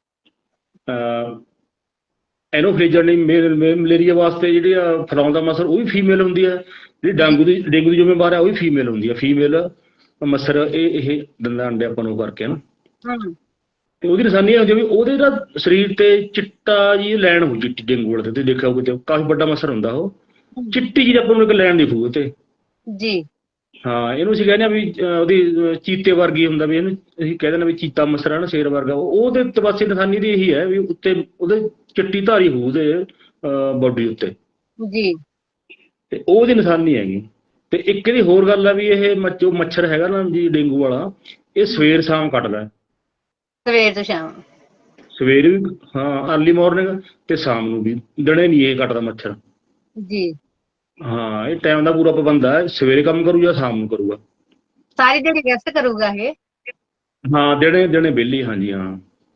[SPEAKER 2] ਐਨੋਫਿਲੀਜ਼ ਜਾਨੀ ਮਲੇਰੀਆ ਵਾਸਤੇ ਜਿਹੜੀ ਫੈਲਾਉਂਦਾ ਮੱਛਰ ਉਹ ਵੀ ਫੀਮੇਲ ਹੁੰਦੀ ਹੈ, ਜਿਹੜੀ ਡੇਂਗੂ ਦੀ ਜ਼ਿੰਮੇਵਾਰ ਹੈ ਉਹ ਵੀ ਫੀਮੇਲ ਹੁੰਦੀ ਹੈ। ਫੀਮੇਲ ਮੱਛਰ ਇਹ ਦਿੰਦਾ ਅੰਡੇ ਆਪਾਂ ਨੂੰ ਕਰਕੇ ਨਾ।
[SPEAKER 1] ਹੂੰ।
[SPEAKER 2] ਤੇ ਉਹਦੀ ਨਿਸ਼ਾਨੀ ਇਹ ਹੁੰਦੀ ਵੀ ਉਹਦੇ ਦਾ ਸਰੀਰ ਤੇ ਚਿੱਟਾ ਜੀ ਲੈਣ ਹੋ, ਚਿੱਟੀ ਡੇਂਗੂ ਵਾਲੇ ਤੇ ਤੁਸੀਂ ਦੇਖਿਆ ਹੋਊ, ਕਾਫੀ ਵੱਡਾ ਮੱਛਰ ਹੁੰਦਾ ਉਹ, ਚਿੱਟੀ ਜਿਹੀ ਆਪਾਂ ਨੂੰ ਇੱਕ ਲੈਣ ਦਿਖੂ ਤੇ।
[SPEAKER 1] ਜੀ।
[SPEAKER 2] ਹਾਂ, ਇਹਨੂੰ ਅਸੀਂ ਕਹਿੰਦੇ ਆ ਵੀ ਉਹਦੀ ਚੀਤੇ ਵਰਗੀ ਹੁੰਦਾ, ਵੀ ਇਹਨੂੰ ਅਸੀਂ ਕਹਿ ਦਿੰਦੇ ਵੀ ਚੀਤਾ ਮੱਛਰ ਹੈ ਨਾ, ਸ਼ੇਰ ਵਰਗਾ। ਉਹਦੇ ਤਬਾਸੀ ਨਿਸ਼ਾਨੀ ਦੀ ਇਹੀ ਹੈ ਵੀ ਉੱਤੇ ਉਹਦੇ ਚਿੱਟੀ ਧਾਰੀ ਹੋਊ ਉਹਦੇ ਬਾਡੀ ਉੱਤੇ,
[SPEAKER 1] ਜੀ।
[SPEAKER 2] ਤੇ ਉਹਦੀ ਨਿਸ਼ਾਨੀ ਹੈਗੀ। ਤੇ ਇੱਕ ਇਹਦੀ ਹੋਰ ਗੱਲ ਆ ਵੀ ਇਹ ਜੋ ਮੱਛਰ ਹੈਗਾ ਨਾ ਜੀ ਡੇਂਗੂ ਵਾਲਾ, ਇਹ ਸਵੇਰ ਸ਼ਾਮ ਕੱਟਦਾ।
[SPEAKER 1] ਸਵੇਰ ਤੋਂ ਸ਼ਾਮ।
[SPEAKER 2] ਸਵੇਰੇ ਵੀ, ਹਾਂ ਅਰਲੀ ਮਾਰਨਿੰਗ, ਤੇ ਸ਼ਾਮ ਨੂੰ ਵੀ। ਦਿਨੇ ਨਹੀਂ ਇਹ ਕੱਟਦਾ ਮੱਛਰ।
[SPEAKER 1] ਜੀ।
[SPEAKER 2] ਹਾਂ, ਇਹ ਟਾਈਮ ਦਾ ਪੂਰਾ ਪਾਬੰਦ ਹੈ, ਸਵੇਰੇ ਕੰਮ ਕਰੂ ਜਾਂ ਸ਼ਾਮ ਨੂੰ ਕਰੂਗਾ।
[SPEAKER 1] ਸਾਰੀ ਦਿਹਾੜੀ ਰੈਸਟ ਕਰੂਗਾ ਇਹ?
[SPEAKER 2] ਹਾਂ, ਦਿਨੇ ਦਿਨੇ ਵਿਹਲੀ। ਹਾਂਜੀ ਹਾਂ।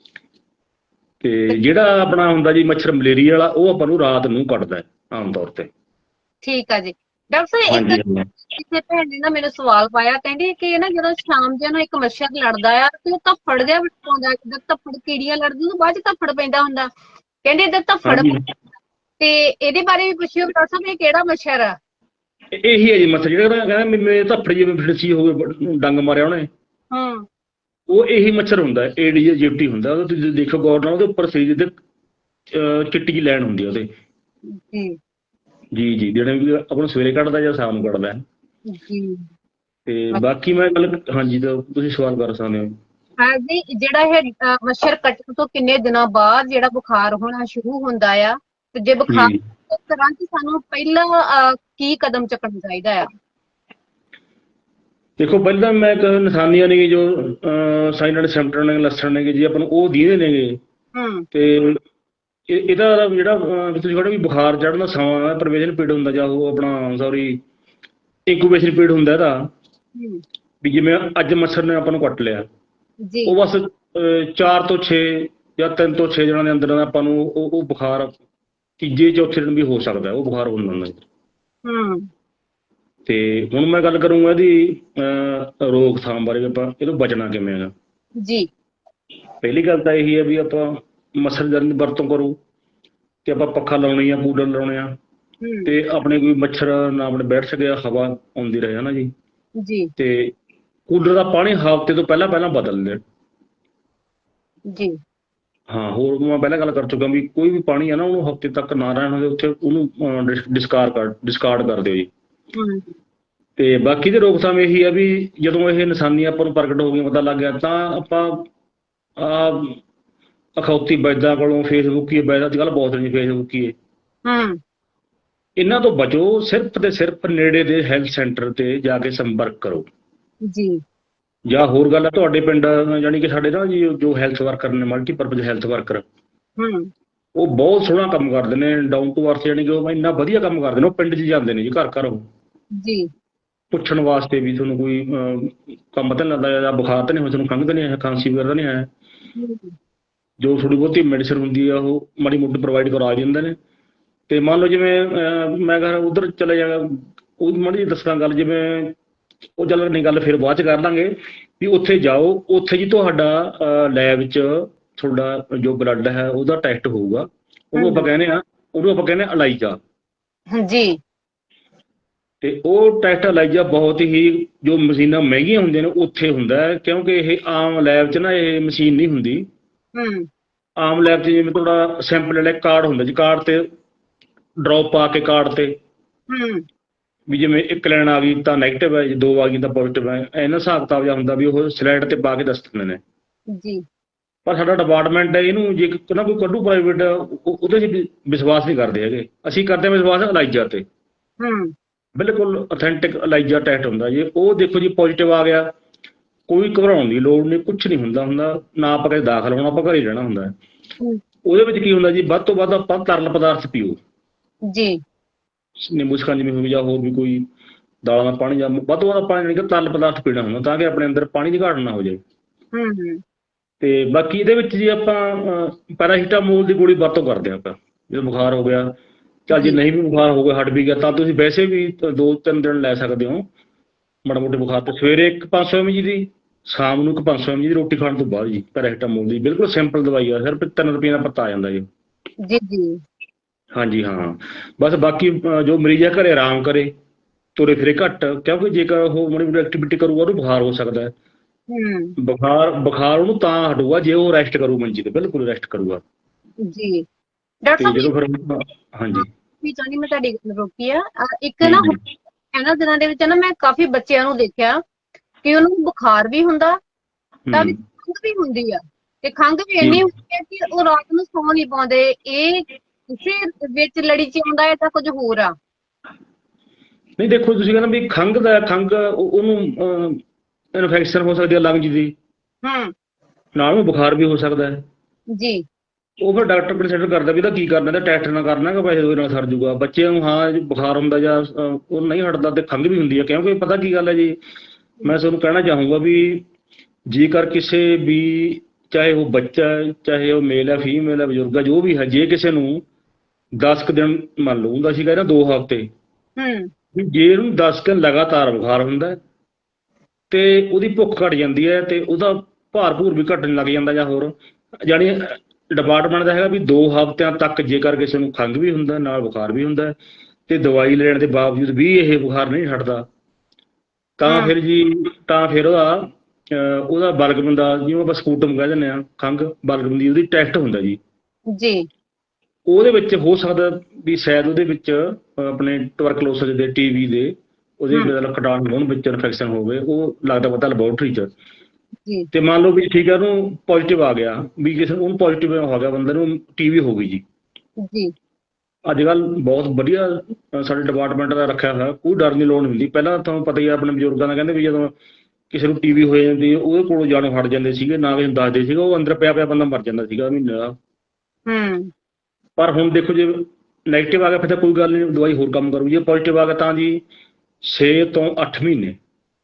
[SPEAKER 2] ਤੇ ਜਿਹੜਾ ਆਪਣਾ ਹੁੰਦਾ ਜੀ ਮੱਛਰ ਮਲੇਰੀਆ ਵਾਲਾ, ਉਹ ਆਪਾਂ ਨੂੰ ਰਾਤ ਨੂੰ ਕੱਟਦਾ ਆਮ ਤੌਰ ਤੇ।
[SPEAKER 1] ਠੀਕ ਆ ਜੀ। ਡਾਕਟਰ ਸਾਹਿਬ ਇੱਕ
[SPEAKER 2] ਹਾਂਜੀ ਹਾਂ
[SPEAKER 1] ਕਿਸੇ ਭੈਣ ਨੇ ਨਾ ਮੈਨੂੰ ਸਵਾਲ ਪਾਇਆ, ਕਹਿੰਦੀ ਕਿ ਨਾ ਜਦੋਂ ਸ਼ਾਮ ਜਿਹਾ ਨਾ ਇੱਕ ਮੱਛਰ ਲੜਦਾ ਆ ਤੇ ਉਹ ਧੱਫੜ ਜਿਹਾ ਪਾਉਂਦਾ, ਜਿੱਦਾਂ ਧੱਫੜ ਕੀੜੀਆਂ ਲੜਦੀਆਂ ਉਹ ਬਾਅਦ ਚ ਧੱਫੜ ਪੈਂਦਾ ਹੁੰਦਾ, ਕਹਿੰਦੇ ਇੱਧਰ ਧੱਫੜ।
[SPEAKER 2] ਹਾਂਜੀ
[SPEAKER 1] ਤੇ ਇਹਦੇ ਬਾਰੇ ਵੀ ਪੁੱਛਿਓ ਡਾਕਟਰ ਸਾਹਿਬ, ਇਹ ਕਿਹੜਾ ਮੱਛਰ ਆ?
[SPEAKER 2] ਇਹੀ ਹੈ ਜੀ ਮੱਛਰ ਜਿਹੜਾ ਕਹਿੰਦਾ ਮੇਰੇ ਧੱਫੜ ਜਿਵੇਂ ਫਿਰਸੀ ਹੋਵੇ, ਡੰਗ ਮਾਰਿਆ ਉਹਨੇ,
[SPEAKER 1] ਹੂੰ।
[SPEAKER 2] ਉਹ ਇਹੀ ਮੱਛਰ ਹੁੰਦਾ, ਏਡੀਜ਼ ਅਜਿਪਟੀ ਹੁੰਦਾ। ਉਹ ਤੁਸੀਂ ਦੇਖੋ ਗੌਰ ਨਾਲ, ਉਹਦੇ ਉੱਪਰ ਸਰੀਰ ਦੇ ਚਿੱਟੀ ਜਿਹੀ ਲੈਣ ਹੁੰਦੀ ਆ ਉਹਦੇ।
[SPEAKER 1] ਜੀ।
[SPEAKER 2] ਜੀ ਜਿਹੜੇ ਵੀ ਆਪਾਂ ਨੂੰ ਸਵੇਰੇ ਕੱਢਦਾ ਜਾਂ ਸ਼ਾਮ ਨੂੰ ਕੱਢਦਾ।
[SPEAKER 1] ਜੀ।
[SPEAKER 2] ਤੇ ਬਾਕੀ ਮੈਂ ਗੱਲ, ਹਾਂਜੀ ਤਾਂ ਤੁਸੀਂ ਸਵਾਲ ਕਰ ਸਕਦੇ ਹੋ।
[SPEAKER 1] ਹਾਂ ਜੀ, ਜਿਹੜਾ ਇਹ ਮੱਛਰ ਕੱਟਣ ਤੋਂ ਕਿੰਨੇ ਦਿਨਾਂ ਬਾਅਦ ਜਿਹੜਾ ਬੁਖਾਰ ਹੋਣਾ ਸ਼ੁਰੂ ਹੁੰਦਾ ਆ, ਤੇ ਜੇ ਬੁਖਾਰ
[SPEAKER 2] ਜੀ
[SPEAKER 1] ਉਸ ਤਰ੍ਹਾਂ ਕਿ ਸਾਨੂੰ ਪਹਿਲਾਂ ਕੀ ਕਦਮ ਚੁੱਕਣਾ ਚਾਹੀਦਾ ਆ?
[SPEAKER 2] ਦੇਖੋ, ਪਹਿਲਾਂ ਮੈਂ ਇੱਕ ਨਿਸ਼ਾਨੀਆਂ ਨੇ ਜੋ ਸਾਈਨ ਸਿਮਟਮ ਨੇ, ਲੱਛਣ ਨੇਗੇ ਜੀ, ਆਪਾਂ ਨੂੰ ਉਹ ਦੀਦੇ ਨੇਗੇ।
[SPEAKER 1] ਹੂੰ।
[SPEAKER 2] ਤੇ ਇਹਦਾ ਜਿਹੜਾ ਤੁਸੀਂ ਕਹਿੰਦੇ ਵੀ ਬੁਖਾਰ ਚੜ੍ਹਨ ਦਾ ਸਮਾਂ, ਪ੍ਰਵੇਸ਼ਨ ਪੀਰੀਅਡ ਹੁੰਦਾ, ਜਾਂ ਉਹ ਆਪਣਾ ਸੌਰੀ ਇਨਕੂਬੇਸ਼ਨ ਪੀਰੀਅਡ ਹੁੰਦਾ ਇਹਦਾ।
[SPEAKER 1] ਹੂੰ।
[SPEAKER 2] ਵੀ ਜਿਵੇਂ ਅੱਜ ਮੱਛਰ ਨੇ ਆਪਾਂ ਨੂੰ ਕੱਟ ਲਿਆ,
[SPEAKER 1] ਜੀ।
[SPEAKER 2] ਉਹ ਬਸ 4 ਤੋਂ 6 ਜਾਂ 3 ਤੋਂ 6 ਦਿਨਾਂ ਦੇ ਅੰਦਰ ਆਪਾਂ ਨੂੰ ਉਹ ਬੁਖਾਰ ਤੀਜੇ ਚੌਥੇ ਦਿਨ ਵੀ ਹੋ ਸਕਦਾ, ਉਹ ਬੁਖਾਰ ਹੋ ਜਾਂਦਾ।
[SPEAKER 1] ਹੂੰ।
[SPEAKER 2] ਤੇ ਹੁਣ ਮੈਂ ਗੱਲ ਕਰੂੰਗਾ ਇਹਦੀ ਰੋਕਥਾਮ ਬਾਰੇ, ਆਪਾਂ ਇਹ ਤੋਂ ਬਚਣਾ ਕਿਵੇਂ ਹੈਗਾ।
[SPEAKER 1] ਜੀ।
[SPEAKER 2] ਪਹਿਲੀ ਗੱਲ ਤਾਂ ਇਹੀ ਹੈ ਵੀ ਆਪਾਂ ਮੱਛਰਦਾਨੀ ਦੀ ਵਰਤੋਂ ਕਰੋ, ਤੇ ਆਪਾਂ ਪੱਖਾ ਲਾਉਣੇ ਆ, ਕੂਲਰ ਲਾਉਣੇ ਆ, ਤੇ ਆਪਣੇ ਕੋਈ ਮੱਛਰ ਨਾ ਆਪਣੇ ਬੈਠ ਸਕੇ, ਹਵਾ ਆਉਂਦੀ ਰਹੇ ਨਾ ਜੀ।
[SPEAKER 1] ਜੀ।
[SPEAKER 2] ਤੇ ਕੂਲਰ ਦਾ ਪਾਣੀ ਹਫ਼ਤੇ ਤੋਂ ਪਹਿਲਾਂ ਬਦਲ ਲੈਣ।
[SPEAKER 1] ਜੀ।
[SPEAKER 2] ਹਾਂ, ਹੋਰ ਮੈਂ ਪਹਿਲਾਂ ਗੱਲ ਕਰ ਚੁੱਕਾ ਵੀ ਕੋਈ ਵੀ ਪਾਣੀ ਹੈ ਨਾ, ਉਹਨੂੰ ਹਫ਼ਤੇ ਤੱਕ ਨਾ ਰਹਿਣ ਉਹਦੇ ਉੱਥੇ, ਉਹਨੂੰ ਡਿਸਕਾਰਡ ਕਰ ਦਿਓ ਜੀ।
[SPEAKER 1] ਹੂੰ।
[SPEAKER 2] ਤੇ ਬਾਕੀ ਦੀ ਰੋਕਥਾਮ ਇਹੀ ਆ ਵੀ ਜਦੋਂ ਇਹ ਨਿਸ਼ਾਨੀਆਂ ਆਪਾਂ ਨੂੰ ਪ੍ਰਗਟ ਹੋ ਗਈਆਂ, ਪਤਾ ਲੱਗ ਗਿਆ, ਤਾਂ ਆਪਾਂ ਅਖੌਤੀ ਵੈਦਾਂ ਕੋਲੋਂ, ਫੇਸਬੁੱਕੀ ਵੈਦ ਅੱਜ ਕੱਲ੍ਹ ਬਹੁਤ ਨੇ, ਫੇਸਬੁੱਕੀ
[SPEAKER 1] ਹੂੰ।
[SPEAKER 2] ਇਹਨਾਂ ਤੋਂ ਬਚੋ। ਸਿਰਫ ਤੇ ਸਿਰਫ ਨੇੜੇ ਦੇ ਹੈਲਥ ਸੈਂਟਰ ਤੇ ਜਾ ਕੇ ਸੰਪਰਕ ਕਰੋ।
[SPEAKER 1] ਜੀ।
[SPEAKER 2] ਜਾਂ ਹੋਰ ਗੱਲ ਹੈ, ਤੁਹਾਡੇ ਪਿੰਡ ਜਾਣੀ ਕਿ ਸਾਡੇ ਨਾ ਜੀ ਜੋ ਹੈਲਥ ਵਰਕਰ ਨੇ, ਮਲਟੀਪਰਪਜ਼ ਹੈਲਥ ਵਰਕਰ,
[SPEAKER 1] ਹੂੰ।
[SPEAKER 2] ਉਹ ਬਹੁਤ ਸੋਹਣਾ ਕੰਮ ਕਰਦੇ ਨੇ, ਡਾਊਨ ਟੂ ਅਰਥ, ਜਾਣੀ ਕਿ ਉਹ ਇੰਨਾ ਵਧੀਆ ਕੰਮ ਕਰਦੇ ਨੇ। ਉਹ ਪਿੰਡ 'ਚ ਜਾਂਦੇ ਨੇ ਜੀ, ਘਰ ਘਰ, ਉਹ
[SPEAKER 1] ਜੀ।
[SPEAKER 2] ਪੁੱਛਣ ਵਾਸਤੇ ਵੀ ਤੁਹਾਨੂੰ ਕੋਈ ਕੰਮ ਤਾਂ ਨਹੀਂ ਲੱਗਦਾ, ਜਾਂ ਬੁਖਾਰ ਤਾਂ ਨਹੀਂ ਹੋਇਆ, ਤੁਹਾਨੂੰ ਖੰਘ ਤਾਂ ਨਹੀਂ ਆਇਆ, ਖਾਂਸੀ ਵਗੈਰਾ ਤਾਂ ਨਹੀਂ ਆਇਆ। ਜੋ ਥੋੜ੍ਹੀ ਬਹੁਤੀ ਮੈਡੀਸਨ ਹੁੰਦੀ ਆ ਉਹ ਮਾੜੀ ਮੋਟੀ ਪ੍ਰੋਵਾਈਡ ਕਰਾ ਦਿੰਦੇ ਨੇ। ਤੇ ਮੰਨ ਲਓ ਜਿਵੇਂ ਮੈਂ ਕਹਿੰਦਾ ਉੱਧਰ ਚਲੇ ਜਾਗਾ, ਉਹ ਮਾੜੀ ਜਿਹੀ ਦੱਸਣਾ ਗੱਲ, ਜਿਵੇਂ ਉਹ ਚੱਲ ਨਹੀਂ, ਗੱਲ ਫਿਰ ਬਾਅਦ ਚ ਕਰ ਲਾਂਗੇ ਵੀ ਉੱਥੇ ਜਾਓ, ਉੱਥੇ ਜੀ ਤੁਹਾਡਾ ਲੈਬ ਵਿੱਚ ਤੁਹਾਡਾ ਜੋ ਬਲੱਡ ਹੈ ਉਹਦਾ ਟੈਸਟ ਹੋਊਗਾ। ਉਹਨੂੰ ਆਪਾਂ ਕਹਿੰਦੇ ਆ ਅਲਾਈਜ਼ਾ।
[SPEAKER 1] ਜੀ।
[SPEAKER 2] ਤੇ ਉਹ ਟੈਸਟ ਅਲਾਈਜ਼ਾ ਬਹੁਤ ਹੀ, ਜੋ ਮਸ਼ੀਨਾਂ ਮਹਿੰਗੀਆਂ ਹੁੰਦੀਆਂ ਨੇ ਉੱਥੇ ਹੁੰਦਾ ਹੈ, ਕਿਉਂਕਿ ਇਹ ਆਮ ਲੈਬ 'ਚ ਨਾ ਇਹ ਮਸ਼ੀਨ ਨਹੀਂ ਹੁੰਦੀ। ਆਮ ਲੈਬ 'ਚ ਜਿਵੇਂ ਤੁਹਾਡਾ ਸੈਂਪਲ ਵਾਲਾ ਕਾਰਡ ਹੁੰਦਾ ਜੀ, ਕਾਰਡ ਤੇ ਡ੍ਰੌਪ ਪਾ ਕੇ ਕਾਰਡ ਤੇ ਵੀ ਜਿਵੇਂ ਇੱਕ ਲਾਈਨ ਆ ਗਈ ਤਾਂ ਨੈਗੇਟਿਵ ਹੈ, ਦੋ ਆ ਗਈ ਤਾਂ ਪੋਜ਼ੀਟਿਵ ਹੈ, ਇਹਨਾਂ ਹਿਸਾਬ ਕਿਤਾਬ ਜਿਹਾ ਹੁੰਦਾ ਵੀ ਉਹ ਸਲਾਈਡ ਤੇ ਪਾ ਕੇ ਦੱਸ ਦਿੰਦੇ ਨੇ
[SPEAKER 1] ਜੀ।
[SPEAKER 2] ਪਰ ਸਾਡਾ ਡਿਪਾਰਟਮੈਂਟ ਹੈ, ਇਹਨੂੰ ਜੇ ਨਾ ਕੋਈ ਕੱਢੂ ਪ੍ਰਾਈਵੇਟ, ਉਹਦੇ 'ਚ ਵਿਸ਼ਵਾਸ ਨਹੀਂ ਕਰਦੇ ਹੈਗੇ। ਅਸੀਂ ਕਰਦੇ ਹਾਂ ਵਿਸ਼ਵਾਸ ਅਲਾਈਜ਼ਾ ਤੇ। ਬਿਲਕੁਲ ਅਥੈਂਟਿਕ ਅਲਾਈਜ਼ਾ ਟੈਸਟ ਹੁੰਦਾ ਜੀ। ਉਹ ਦੇਖੋ ਜੀ ਪੋਜ਼ੀਟਿਵ ਆ ਗਿਆ, ਕੋਈ ਘਬਰਾਉਣ ਦੀ ਲੋੜ ਨਹੀਂ, ਕੁਛ ਨਹੀਂ ਹੁੰਦਾ ਨਾ ਆਪਾਂ ਕਦੇ ਦਾਖਲ ਹੋਣਾ, ਆਪਾਂ ਘਰੇ ਰਹਿਣਾ ਹੁੰਦਾ। ਉਹਦੇ ਵਿੱਚ ਕੀ ਹੁੰਦਾ ਜੀ, ਵੱਧ ਤੋਂ ਵੱਧ ਆਪਾਂ ਤਰਲ ਪਦਾਰਥ ਪੀਓ
[SPEAKER 1] ਜੀ,
[SPEAKER 2] ਨਿੰਬੂ ਸ਼ਿਕੰਜਵੀ ਹੋਵੇ ਜਾਂ ਹੋਰ ਵੀ ਕੋਈ ਦਾਲਾਂ ਦਾ ਪਾਣੀ, ਜਾਂ ਵੱਧ ਤੋਂ ਵੱਧ ਆਪਾਂ ਜਾਣੀ ਕਿ ਤਰਲ ਪਦਾਰਥ ਪੀਣਾ ਹੁੰਦਾ ਤਾਂ ਕਿ ਆਪਣੇ ਅੰਦਰ ਪਾਣੀ ਦੀ ਘਾਟ ਨਾ ਹੋ ਜਾਏ। ਤੇ ਬਾਕੀ ਇਹਦੇ ਵਿੱਚ ਜੀ ਆਪਾਂ ਪੈਰਾਸੀਟਾਮੋਲ ਦੀ ਗੋਲੀ ਵਰਤੋਂ ਕਰਦੇ ਹਾਂ ਆਪਾਂ ਜਦੋਂ ਬੁਖਾਰ ਹੋ ਗਿਆ। ਚੱਲ ਜੇ ਨਹੀਂ ਵੀ ਬੁਖਾਰ ਹੋ ਗਿਆ, ਹਟ ਵੀ ਗਿਆ, ਤਾਂ ਤੁਸੀਂ ਵੈਸੇ ਵੀ 2-3 ਦਿਨ ਲੈ ਸਕਦੇ ਹੋ ਮਾੜਾ ਮੋਟੇ ਬੁਖਾਰ ਤੇ। ਸਵੇਰੇ ਇੱਕ 500 mg ਦੀ, ਸ਼ਾਮ ਨੂੰ ਇੱਕ 500 mg ਦੀ, ਰੋਟੀ ਖਾਣ ਤੋਂ ਬਾਅਦ ਜੀ ਪੈਰਾਸੀਟਾਮੋਲ ਦੀ। ਬਿਲਕੁਲ ਸਿੰਪਲ ਦਵਾਈ ਆ, ਸਿਰਫ 3 ਰੁਪਏ ਦਾ ਪੱਤਾ ਆ ਜਾਂਦਾ ਜੀ।
[SPEAKER 1] ਜੀ।
[SPEAKER 2] ਹਾਂਜੀ ਹਾਂ, ਬਸ ਬਾਕੀ ਜੋ ਮਰੀਜ਼ ਆ ਘਰੇ ਆਰਾਮ ਕਰੇ, ਤੁਰੇ ਫਿਰੇ ਘੱਟ, ਕਿਉਂਕਿ ਜੇਕਰ ਉਹ ਮਾੜੀ ਮੋਟੀ ਐਕਟੀਵਿਟੀ ਕਰੂਗਾ ਉਹਨੂੰ ਬੁਖਾਰ ਹੋ ਸਕਦਾ ਹੈ। ਬੁਖਾਰ ਉਹਨੂੰ ਤਾਂ ਹਟੂਗਾ ਜੇ ਉਹ ਰੈਸਟ ਕਰੂ ਮੰਜੀ ਤੇ, ਬਿਲਕੁਲ ਰੈਸਟ ਕਰੂਗਾ
[SPEAKER 1] ਜੀ। ਡਾਕਟਰ ਸਾਹਿਬ
[SPEAKER 2] ਜਦੋਂ ਫਿਰ ਹਾਂਜੀ
[SPEAKER 1] ਵੀ ਚਾਹੁੰਦੀ ਮੈਂ ਤੁਹਾਡੀ ਗੱਲ ਰੋਕੀ ਆ, ਇੱਕ ਨਾ ਇਹਨਾਂ ਦਿਨਾਂ ਦੇ ਵਿੱਚ ਨਾ ਮੈਂ ਕਾਫੀ ਬੱਚਿਆਂ ਨੂੰ ਦੇਖਿਆ ਕਿ ਉਹਨੂੰ ਬੁਖਾਰ ਵੀ ਹੁੰਦਾ ਤਾਂ ਵੀ ਖੰਘ ਵੀ ਹੁੰਦੀ ਆ, ਤੇ ਖੰਘ ਵੀ ਇੰਨੀ ਹੁੰਦੀ ਹੈ ਕਿ ਉਹ ਰਾਤ ਨੂੰ ਸੌਂ ਨਹੀਂ ਪਾਉਂਦੇ। ਇਹ ਕਿਸੇ ਵਿੱਚ ਲੜੀ ਚ ਆਉਂਦਾ ਹੈ ਤਾਂ ਕੁਝ ਹੋਰ ਆ?
[SPEAKER 2] ਨਹੀਂ ਦੇਖੋ, ਤੁਸੀਂ ਕਹਿੰਦਾ ਵੀ ਖੰਘ ਉਹਨੂੰ ਇਨਫੈਕਸ਼ਨ ਹੋ ਸਕਦੀ ਹੈ ਲੰਗਸ ਦੀ, ਨਾਲ ਉਹਨੂੰ ਬੁਖਾਰ ਵੀ ਹੋ ਸਕਦਾ ਹੈ
[SPEAKER 1] ਜੀ।
[SPEAKER 2] ਉਹ ਫਿਰ ਡਾਕਟਰ ਕੰਸੀਡਰ ਕਰਦਾ ਵੀ ਇਹਦਾ ਕੀ ਕਰਨਾ, ਇਹਦਾ ਟੈਸਟ ਨਾ ਕਰਨਾ ਕਿ ਪੈਸੇ ਉਹਦੇ ਨਾਲ ਸਰ ਜੂਗਾ। ਬੱਚਿਆਂ ਨੂੰ ਹਾਂ ਬੁਖਾਰ ਹੁੰਦਾ ਜਾਂ ਉਹ ਨਹੀਂ ਹਟਦਾ ਤੇ ਖੰਘ ਵੀ ਹੁੰਦੀ ਹੈ। ਕਿਉਂਕਿ ਪਤਾ ਕੀ ਗੱਲ ਹੈ ਜੀ, ਮੈਂ ਤੁਹਾਨੂੰ ਕਹਿਣਾ ਚਾਹੂੰਗਾ ਵੀ ਜੇਕਰ ਕਿਸੇ ਵੀ, ਚਾਹੇ ਉਹ ਬੱਚਾ ਹੈ, ਚਾਹੇ ਉਹ ਮੇਲ ਹੈ, ਫੀਮੇਲ ਹੈ, ਬਜ਼ੁਰਗ ਹੈ, ਜੋ ਵੀ ਹੈ, ਜੇ ਕਿਸੇ ਨੂੰ 10 ਕੁ ਦਿਨ ਮੰਨ ਲਓ ਹੁੰਦਾ ਸੀਗਾ, 2 ਹਫ਼ਤੇ, ਜੇ ਇਹਨੂੰ 10 ਦਿਨ ਲਗਾਤਾਰ ਬੁਖਾਰ ਹੁੰਦਾ ਤੇ ਉਹਦੀ ਭੁੱਖ ਘਟ ਜਾਂਦੀ ਹੈ ਤੇ ਉਹਦਾ ਭਾਰ ਭੂਰ ਵੀ ਘਟਣ ਲੱਗ ਜਾਂਦਾ, ਜਾਂ ਹੋਰ ਜਾਣੀ ਡਿਪਾਰਟਮੈਂਟ ਦਾ ਹੈਗਾ ਵੀ 2 ਹਫ਼ਤਿਆਂ ਤੱਕ ਜੇਕਰ ਕਿਸੇ ਨੂੰ ਖੰਘ ਵੀ ਹੁੰਦਾ ਨਾਲ ਬੁਖਾਰ ਵੀ ਹੁੰਦਾ ਤੇ ਦਵਾਈ ਲੈਣ ਦੇ ਬਾਵਜੂਦ ਵੀ ਇਹ ਬੁਖਾਰ ਨਹੀਂ ਹਟਦਾ, ਤਾਂ ਫਿਰ ਉਹਦਾ ਬਲਗਮ ਦਾ, ਜਿਵੇਂ ਆਪਾਂ ਸਕੂਟਮ ਕਹਿ ਦਿੰਦੇ ਹਾਂ, ਖੰਘ ਬਲਗਮ ਦੀ, ਉਹਦੀ ਟੈਸਟ ਹੁੰਦਾ ਜੀ। ਉਹਦੇ ਵਿੱਚ ਹੋ ਸਕਦਾ ਵੀ ਸ਼ਾਇਦ ਉਹਦੇ ਵਿੱਚ ਆਪਣੇ ਟਵਰਕਲੋਸਿਸ ਦੇ, TB ਦੇ, ਉਹਦੇ ਕੀਟਾਣੂ ਹੋਣ, ਵਿੱਚ ਇਨਫੈਕਸ਼ਨ ਹੋਵੇ, ਉਹ ਲੱਗਦਾ ਪਤਾ ਲੈਬੋਰਟਰੀ 'ਚ। ਤੇ ਮੰਨ ਲਓ ਵੀ ਠੀਕ ਹੈ, ਉਹਨੂੰ ਪੋਜ਼ੀਟਿਵ ਆ ਗਿਆ, ਵੀ ਕਿਸੇ ਉਹਨੂੰ ਪੋਜ਼ੀਟਿਵ ਹੋ ਗਿਆ, ਬੰਦੇ ਨੂੰ TB ਹੋ ਗਈ ਜੀ। ਅੱਜ ਕੱਲ੍ਹ ਬਹੁਤ ਵਧੀਆ ਸਾਡੇ ਡਿਪਾਰਟਮੈਂਟ ਦਾ ਰੱਖਿਆ ਹੋਇਆ, ਕੋਈ ਡਰ ਦੀ ਲੋੜ ਨਹੀਂ ਹੁੰਦੀ। ਪਹਿਲਾਂ ਤੁਹਾਨੂੰ ਪਤਾ ਹੀ ਆਪਣੇ ਬਜ਼ੁਰਗਾਂ ਦਾ ਕਹਿੰਦੇ ਵੀ ਜਦੋਂ ਕਿਸੇ ਨੂੰ TB ਹੋ ਜਾਂਦੀ ਉਹਦੇ ਕੋਲੋਂ ਜਾਣੋਂ ਹਟ ਜਾਂਦੇ ਸੀਗੇ, ਨਾ ਕਿਸੇ ਨੂੰ ਦੱਸਦੇ ਸੀਗੇ, ਉਹ ਅੰਦਰ ਪਿਆ ਬੰਦਾ ਮਰ ਜਾਂਦਾ ਸੀਗਾ ਮਹੀਨੇ ਦਾ। ਪਰ ਹੁਣ ਦੇਖੋ ਜੇ ਨੈਗੇਟਿਵ ਆ ਗਿਆ ਫਿਰ ਤਾਂ ਕੋਈ ਗੱਲ ਨਹੀਂ, ਦਵਾਈ ਹੋਰ ਕੰਮ ਕਰੂ। ਜੇ ਪੋਜ਼ੀਟਿਵ ਆ ਗਿਆ ਤਾਂ ਜੀ 6 ਤੋਂ 8 ਮਹੀਨੇ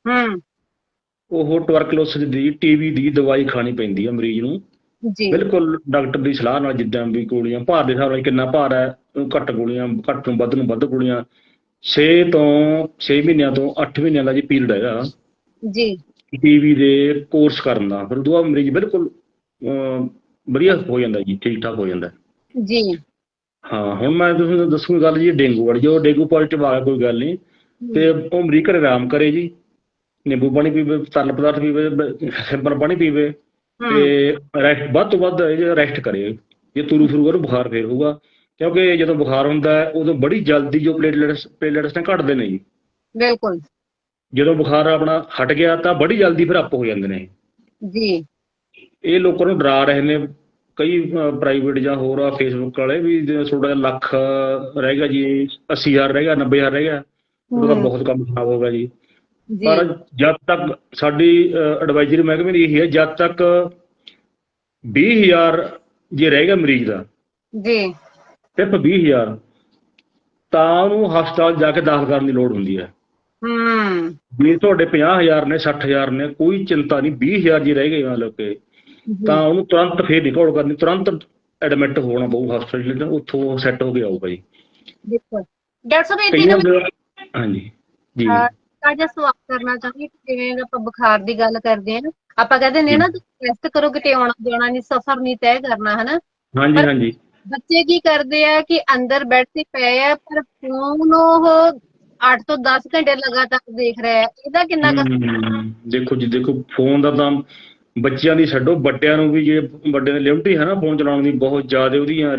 [SPEAKER 2] ਉਹ ਟਵਰਕਲੋਸਿਸ ਦੀ, TB ਦੀ ਦਵਾਈ ਖਾਣੀ ਪੈਂਦੀ ਹੈ ਮਰੀਜ਼ ਨੂੰ, ਬਿਲਕੁਲ ਡਾਕਟਰ ਦੀ ਸਲਾਹ ਨਾਲ। ਜਿੱਦਾਂ ਵੀ ਗੋਲੀਆਂ ਭਾਰ ਦੇ ਹਿਸਾਬ ਨਾਲ, ਕਿੰਨਾ ਭਾਰ ਹੈ, ਘੱਟ ਗੋਲੀਆਂ, ਘੱਟ ਨੂੰ ਵੱਧ ਗੋਲੀਆਂ। 6 ਮਹੀਨਿਆਂ ਤੋਂ 8 ਮਹੀਨਿਆਂ ਦਾ ਜੀ ਪੀਰੀਅਡ ਹੈਗਾ TB ਦੇ ਕੋਰਸ ਕਰਨ ਦਾ। ਫਿਰ ਉਦੋਂ ਬਾਅਦ ਮਰੀਜ਼ ਬਿਲਕੁਲ ਵਧੀਆ ਹੋ ਜਾਂਦਾ ਜੀ, ਠੀਕ ਠਾਕ ਹੋ ਜਾਂਦਾ
[SPEAKER 1] ਜੀ।
[SPEAKER 2] ਹਾਂ, ਹੁਣ ਮੈਂ ਤੁਹਾਨੂੰ ਦੱਸੂਗੀ ਗੱਲ ਜੀ ਡੇਂਗੂ ਵਾਲੀ। ਜੋ ਡੇਂਗੂ ਪੋਜ਼ੀਟਿਵ ਆ ਗਿਆ ਕੋਈ ਗੱਲ ਨਹੀਂ, ਤੇ ਉਹ ਮਰੀਜ਼ ਘਰੇ ਆਰਾਮ ਕਰੇ ਜੀ, ਨਿੰਬੂ ਪਾਣੀ ਪੀਵੇ, ਤਰਲ ਪਦਾਰਥ ਪੀਵੇ, ਸਿੰਪਲ ਪਾਣੀ ਪੀਵੇ, ਤੇ ਵੱਧ ਤੋਂ ਵੱਧ ਰੈਸਟ ਕਰੇ। ਜੇ ਤੁਰੂ ਫਿਰੂਗਾ ਉਹਨੂੰ ਬੁਖਾਰ ਫੇਰ ਹੋਊਗਾ, ਕਿਉਂਕਿ ਜਦੋਂ ਬੁਖਾਰ ਹੁੰਦਾ ਹੈ ਉਦੋਂ ਬੜੀ ਜਲਦੀ ਜੋ ਪਲੇਟਲੈਟਸ ਨੇ ਘਟਦੇ ਨੇ ਜੀ।
[SPEAKER 1] ਬਿਲਕੁਲ। ਜਦੋਂ
[SPEAKER 2] ਬੁਖਾਰ ਆਪਣਾ ਹਟ ਗਿਆ ਤਾਂ ਬੜੀ ਜਲਦੀ ਫਿਰ ਅੱਪ ਹੋ ਜਾਂਦੇ ਨੇ
[SPEAKER 1] ਜੀ।
[SPEAKER 2] ਇਹ ਲੋਕਾਂ ਨੂੰ ਡਰਾ ਰਹੇ ਨੇ ਕਈ ਪ੍ਰਾਈਵੇਟ ਜਾਂ ਹੋਰ ਆ ਫੇਸਬੁੱਕ ਵਾਲੇ ਵੀ ਤੁਹਾਡਾ ਲੱਖ ਰਹਿ ਗਿਆ ਜੀ, 80,000 ਰਹਿ ਗਿਆ, 90,000 ਰਹਿ ਗਿਆ, ਉਹਦਾ ਬਹੁਤ ਕੰਮ ਖਰਾਬ ਹੋ ਗਿਆ ਜੀ। ਪਰ ਜਦ ਤੱਕ ਸਾਡੀ ਐਡਵਾਈਜ਼ਰੀ ਮਹਿਕਮੇ ਦੀ ਇਹੀ ਹੈ, ਜਦ ਤੱਕ 20,000 ਜੇ ਰਹਿ ਗਿਆ ਮਰੀਜ਼ ਦਾ, ਸਿਰਫ 20,000, ਤਾਂ ਉਹਨੂੰ ਹਸਪਤਾਲ ਜਾ ਕੇ ਦਾਖਲ ਕਰਨ ਦੀ ਲੋੜ ਹੁੰਦੀ ਹੈ। ਜੇ ਤੁਹਾਡੇ 50,000 ਨੇ, 60,000 ਨੇ, ਕੋਈ ਚਿੰਤਾ ਨਹੀਂ। 20,000 ਜੇ ਰਹਿ ਗਏ ਮਤਲਬ ਕਿ, ਤਾਂ ਉਹਨੂੰ ਤੁਰੰਤ ਫੇਰ ਨਹੀਂ ਘੋਲ ਕਰਨੀ, ਤੁਰੰਤ ਐਡਮਿਟ ਹੋਣਾ ਪਊ ਹਸਪਤਾਲ, ਉੱਥੋਂ ਸੈੱਟ ਹੋ ਕੇ ਆਊਗਾ ਜੀ।
[SPEAKER 1] ਡਾਕਟਰ ਸਾਹਿਬ ਹਾਂਜੀ ਜੀ, ਜਿਹਾ ਸਵਾਲ ਕਰਨਾ ਚਾਹੁੰਦੀ ਕਿ ਜਿਵੇਂ ਆਪਾਂ ਬੁਖਾਰ ਦੀ ਗੱਲ ਕਰਦੇ ਹਾਂ, ਆਪਾਂ ਕਹਿੰਦੇ ਨੇ ਨਾ ਤੁਸੀਂ ਰੈਸਟ ਕਰੋ, ਕਿਤੇ ਆਉਣਾ ਜਾਣਾ ਨਹੀਂ, ਸਫ਼ਰ ਨਹੀਂ ਤੈਅ ਕਰਨਾ, ਹਨਾ।
[SPEAKER 2] ਹਾਂਜੀ
[SPEAKER 1] ਪਰ
[SPEAKER 2] ਹਾਂਜੀ।
[SPEAKER 1] ਬੱਚੇ ਕੀ ਕਰਦੇ ਆ ਕਿ ਅੰਦਰ ਬੈੱਡ ਤੇ ਪਏ ਆ, ਪਰ ਫੋਨ ਉਹ 8 ਤੋਂ 10 ਘੰਟੇ ਲਗਾਤਾਰ ਦੇਖ ਰਿਹਾ ਹੈ। ਇਹਦਾ ਕਿੰਨਾ ਕੁ
[SPEAKER 2] ਦੇਖੋ ਜੀ, ਦੇਖੋ ਫੋਨ ਦਾ ਤਾਂ ਬੱਚਿਆਂ ਦੀ ਛੱਡੋ, ਵੱਡਿਆਂ ਨੂੰ ਵੀ, ਜੇ ਵੱਡੇ ਦੀ ਲਿਮਟ ਹੀ ਹੈ ਨਾ ਫੋਨ ਚਲਾਉਣ ਦੀ ਬਹੁਤ ਜ਼ਿਆਦਾ, ਉਹਦੀਆਂ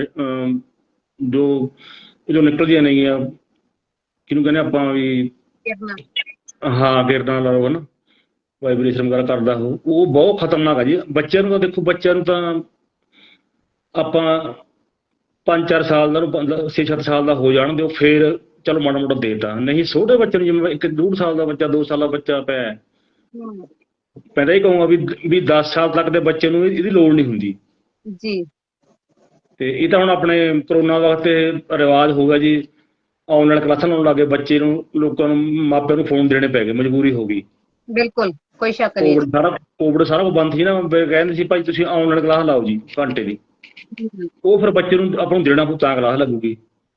[SPEAKER 2] ਜੋ ਨਿਕਲਦੀਆਂ ਨੇਗੀਆਂ, ਕਿਹਨੂੰ ਕਹਿੰਦੇ ਆਪਾਂ ਵੀ,
[SPEAKER 1] ਕਰਨਾ?
[SPEAKER 2] ਹਾਂ ਕਿਰਦਾਂ ਲਾ ਲਓ, ਹਨਾ, ਵਾਈਬ੍ਰੇਸ਼ਨ ਵਗੈਰਾ ਕਰਦਾ ਉਹ ਬਹੁਤ ਖਤਰਨਾਕ ਆ ਜੀ। ਬੱਚਿਆਂ ਨੂੰ ਤਾਂ ਦੇਖੋ, ਬੱਚਿਆਂ ਨੂੰ ਤਾਂ ਆਪਾਂ 5-4 ਸਾਲ ਦਾ, 6-7 ਸਾਲ ਦਾ ਹੋ ਜਾਣ ਦਿਓ, ਫਿਰ ਚਲੋ ਮਾੜਾ ਮੋਟਾ ਦੇਤਾ, ਨਹੀਂ ਛੋਟੇ ਬੱਚੇ ਨੂੰ, ਜਿਵੇਂ 1-1.5 ਸਾਲ ਦਾ ਬੱਚਾ, 2 ਸਾਲ ਦਾ ਬੱਚਾ ਪਿਆ, ਮੈਂ ਤਾਂ ਇਹ ਕਹੂੰਗਾ ਵੀ 10 ਸਾਲ ਤੱਕ ਦੇ ਬੱਚੇ ਨੂੰ ਇਹਦੀ ਲੋੜ ਨਹੀਂ ਹੁੰਦੀ
[SPEAKER 1] ਜੀ।
[SPEAKER 2] ਤੇ ਇਹ ਤਾਂ ਹੁਣ ਆਪਣੇ ਕਰੋਨਾ ਵਕਤ ਰਿਵਾਜ ਹੋ ਗਿਆ ਜੀ, ਆਨਲਾਈਨ ਕਲਾਸਾਂ ਲਾਉਣ ਲੱਗੇ ਬੱਚੇ ਨੂੰ, ਲੋਕਾਂ ਨੂੰ, ਮਾਪਿਆਂ ਨੂੰ ਫੋਨ ਦੇਣੇ ਪੈ ਗਏ, ਮਜਬੂਰੀ ਹੋ ਗਈ।
[SPEAKER 1] ਬਿਲਕੁਲ, ਕੋਈ ਸ਼ੱਕ ਨਹੀਂ।
[SPEAKER 2] ਕੋਵਿਡ ਸਾਰਾ ਕੁਝ ਬੰਦ ਸੀ ਨਾ, ਕਹਿੰਦੇ ਸੀ ਭਾਈ ਤੁਸੀਂ ਆਨਲਾਈਨ ਕਲਾਸ ਲਾਓ ਜੀ ਘੰਟੇ ਦੀ, ਉਹ ਫਿਰ ਬੱਚੇ ਨੂੰ ਆਪਾਂ ਨੂੰ ਦੇਣਾ ਪਊ ਤਾਂ ਕਲਾਸ ਲੱਗੂਗੀ।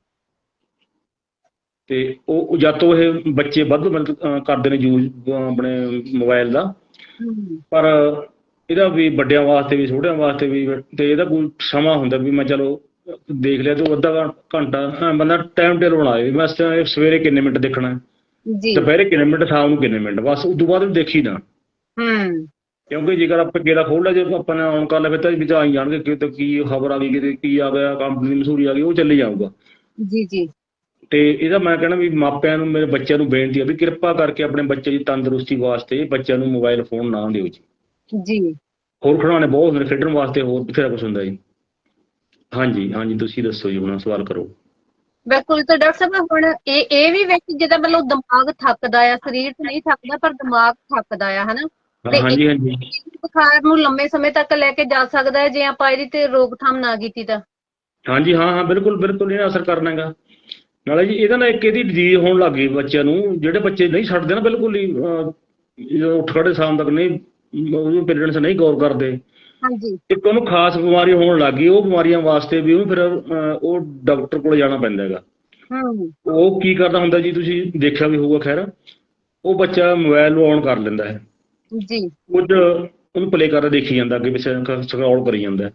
[SPEAKER 2] ਤੇ ਉਹ ਜਦ ਤੋਂ ਇਹ ਬੱਚੇ ਵੱਧ ਮਤਲਬ ਕਰਦੇ ਨੇ ਯੂਜ਼ ਆਪਣੇ ਮੋਬਾਈਲ ਦਾ, ਪਰ ਇਹਦਾ ਵੀ ਵੱਡਿਆਂ ਵਾਸਤੇ ਵੀ ਛੋਟਿਆਂ ਵਾਸਤੇ ਵੀ, ਤੇ ਇਹਦਾ ਕੋਈ ਸਮਾਂ ਹੁੰਦਾ ਵੀ ਮੈਂ ਚਲੋ ਦੇਖ ਲਿਆ ਤੇ ਅੱਧਾ ਘੰਟਾ ਬੰਦਾ ਟਾਈਮ ਟੇਬਲ ਬਣਾਏ, ਮੈਂ ਸਵੇਰੇ ਕਿੰਨੇ ਮਿੰਟ ਦੇਖਣਾ, ਦੁਪਹਿਰੇ ਕਿੰਨੇ ਮਿੰਟ, ਸ਼ਾਮ ਨੂੰ ਕਿੰਨੇ ਮਿੰਟ, ਬਸ ਉਸ ਤੋਂ ਬਾਅਦ ਵੀ ਦੇਖੀ ਨਾ। ਕਿਉਂਕਿ ਜੇਕਰ ਆਪਾਂ ਗੇੜਾ ਖੋਲ ਲਿਆ, ਜੇ ਆਪਾਂ ਨੇ ਆਨ ਕਰ ਲਿਆ, ਫਿਰ ਤਾਂ ਆਈ ਜਾਣਗੇ ਕਿਤੇ ਕੀ ਖਬਰ ਆ ਗਈ, ਕਿਤੇ ਕੀ ਆ ਗਿਆ, ਕੰਪਨੀ ਦੀ ਮਸ਼ਹੂਰੀ ਆ ਗਈ, ਉਹ ਚੱਲੀ ਜਾਊਗਾ।
[SPEAKER 1] ਜੀ ਜੀ।
[SPEAKER 2] ਤੇ ਇਹਦਾ ਮੈਂ ਕਹਿਣਾ ਵੀ ਮਾਪਿਆਂ ਨੂੰ, ਮੇਰੇ ਬੱਚਿਆਂ ਨੂੰ ਬੇਨਤੀ ਆ ਵੀ ਕਿਰਪਾ ਕਰਕੇ ਆਪਣੇ ਬੱਚੇ ਦੀ ਤੰਦਰੁਸਤੀ ਵਾਸਤੇ ਬੱਚਿਆਂ ਨੂੰ ਮੋਬਾਈਲ ਫੋਨ ਨਾ ਦਿਓ ਜੀ। ਹੋਰ ਖਿਡੌਣੇ ਬਹੁਤ ਹੁੰਦੇ ਨੇ ਖੇਡਣ ਵਾਸਤੇ, ਹੋਰ ਬਥੇਰਾ ਕੁਛ ਹੁੰਦਾ ਜੀ। ਹਾਂਜੀ ਹਾਂਜੀ, ਤੁਸੀਂ ਦੱਸੋ ਜੀ, ਹੁਣ ਸਵਾਲ ਕਰੋ।
[SPEAKER 1] ਬਿਲਕੁਲ। ਤਾਂ ਡਾਕਟਰ ਸਾਹਿਬ ਹੁਣ ਇਹ ਵੀ ਵਿੱਚ ਜਿੱਦਾਂ ਮਤਲਬ ਦਿਮਾਗ ਥੱਕਦਾ ਆ, ਸਰੀਰ ਤਾਂ ਨਹੀਂ ਥੱਕਦਾ ਪਰ ਦਿਮਾਗ ਥੱਕਦਾ ਆ, ਹਨਾ। ਤੇ
[SPEAKER 2] ਹਾਂਜੀ ਹਾਂਜੀ।
[SPEAKER 1] ਬੁਖਾਰ ਨੂੰ ਲੰਮੇ ਸਮੇਂ ਤੱਕ ਲੈ ਕੇ ਜਾ ਸਕਦਾ ਹੈ ਜੇ ਆਪਾਂ ਇਹਦੀ ਤੇ ਰੋਕਥਾਮ ਨਾ ਕੀਤੀ ਤਾਂ।
[SPEAKER 2] ਹਾਂਜੀ, ਹਾਂ ਹਾਂ, ਬਿਲਕੁਲ ਬਿਲਕੁਲ, ਇਹਨੇ ਅਸਰ ਕਰਨਾ ਹੈਗਾ। ਨਾਲੇ ਜੀ ਇਹਦਾ ਨਾਲ ਇੱਕ ਇਹਦੀ ਡਿਜ਼ੀਜ਼ ਹੋਣ ਲੱਗ ਗਈ ਬੱਚਿਆਂ ਨੂੰ, ਜਿਹੜੇ ਬੱਚੇ ਨਹੀਂ ਛੱਡਦੇ ਨਾ ਬਿਲਕੁਲ ਹੀ, ਜਦੋਂ ਉੱਠ ਖੜੇ ਸ਼ਾਮ ਤੱਕ ਨਹੀਂ, ਉਹਦੇ ਪੇਰੈਂਟਸ ਨਹੀਂ ਗੌਰ ਕਰਦੇ, ਇੱਕ ਉਹਨੂੰ ਖਾਸ ਬਿਮਾਰੀ ਹੋਣ ਲੱਗ ਗਈ। ਉਹ ਬਿਮਾਰੀਆਂ ਵਾਸਤੇ ਵੀ ਉਹਨੂੰ ਫਿਰ ਉਹ ਡਾਕਟਰ ਕੋਲ ਜਾਣਾ ਪੈਂਦਾ ਹੈਗਾ। ਉਹ ਕੀ ਕਰਦਾ ਹੁੰਦਾ ਜੀ, ਤੁਸੀਂ ਦੇਖਿਆ ਵੀ ਹੋਊਗਾ ਖੈਰ, ਉਹ ਬੱਚਾ ਮੋਬਾਈਲ ਨੂੰ ਔਨ ਕਰ ਲੈਂਦਾ ਹੈ, ਕੁਝ ਉਹਨੂੰ ਪਲੇ ਕਰਦਾ ਦੇਖੀ ਜਾਂਦਾ, ਅੱਗੇ ਪਿੱਛੇ ਸਕਰੋਲ ਕਰੀ ਜਾਂਦਾ।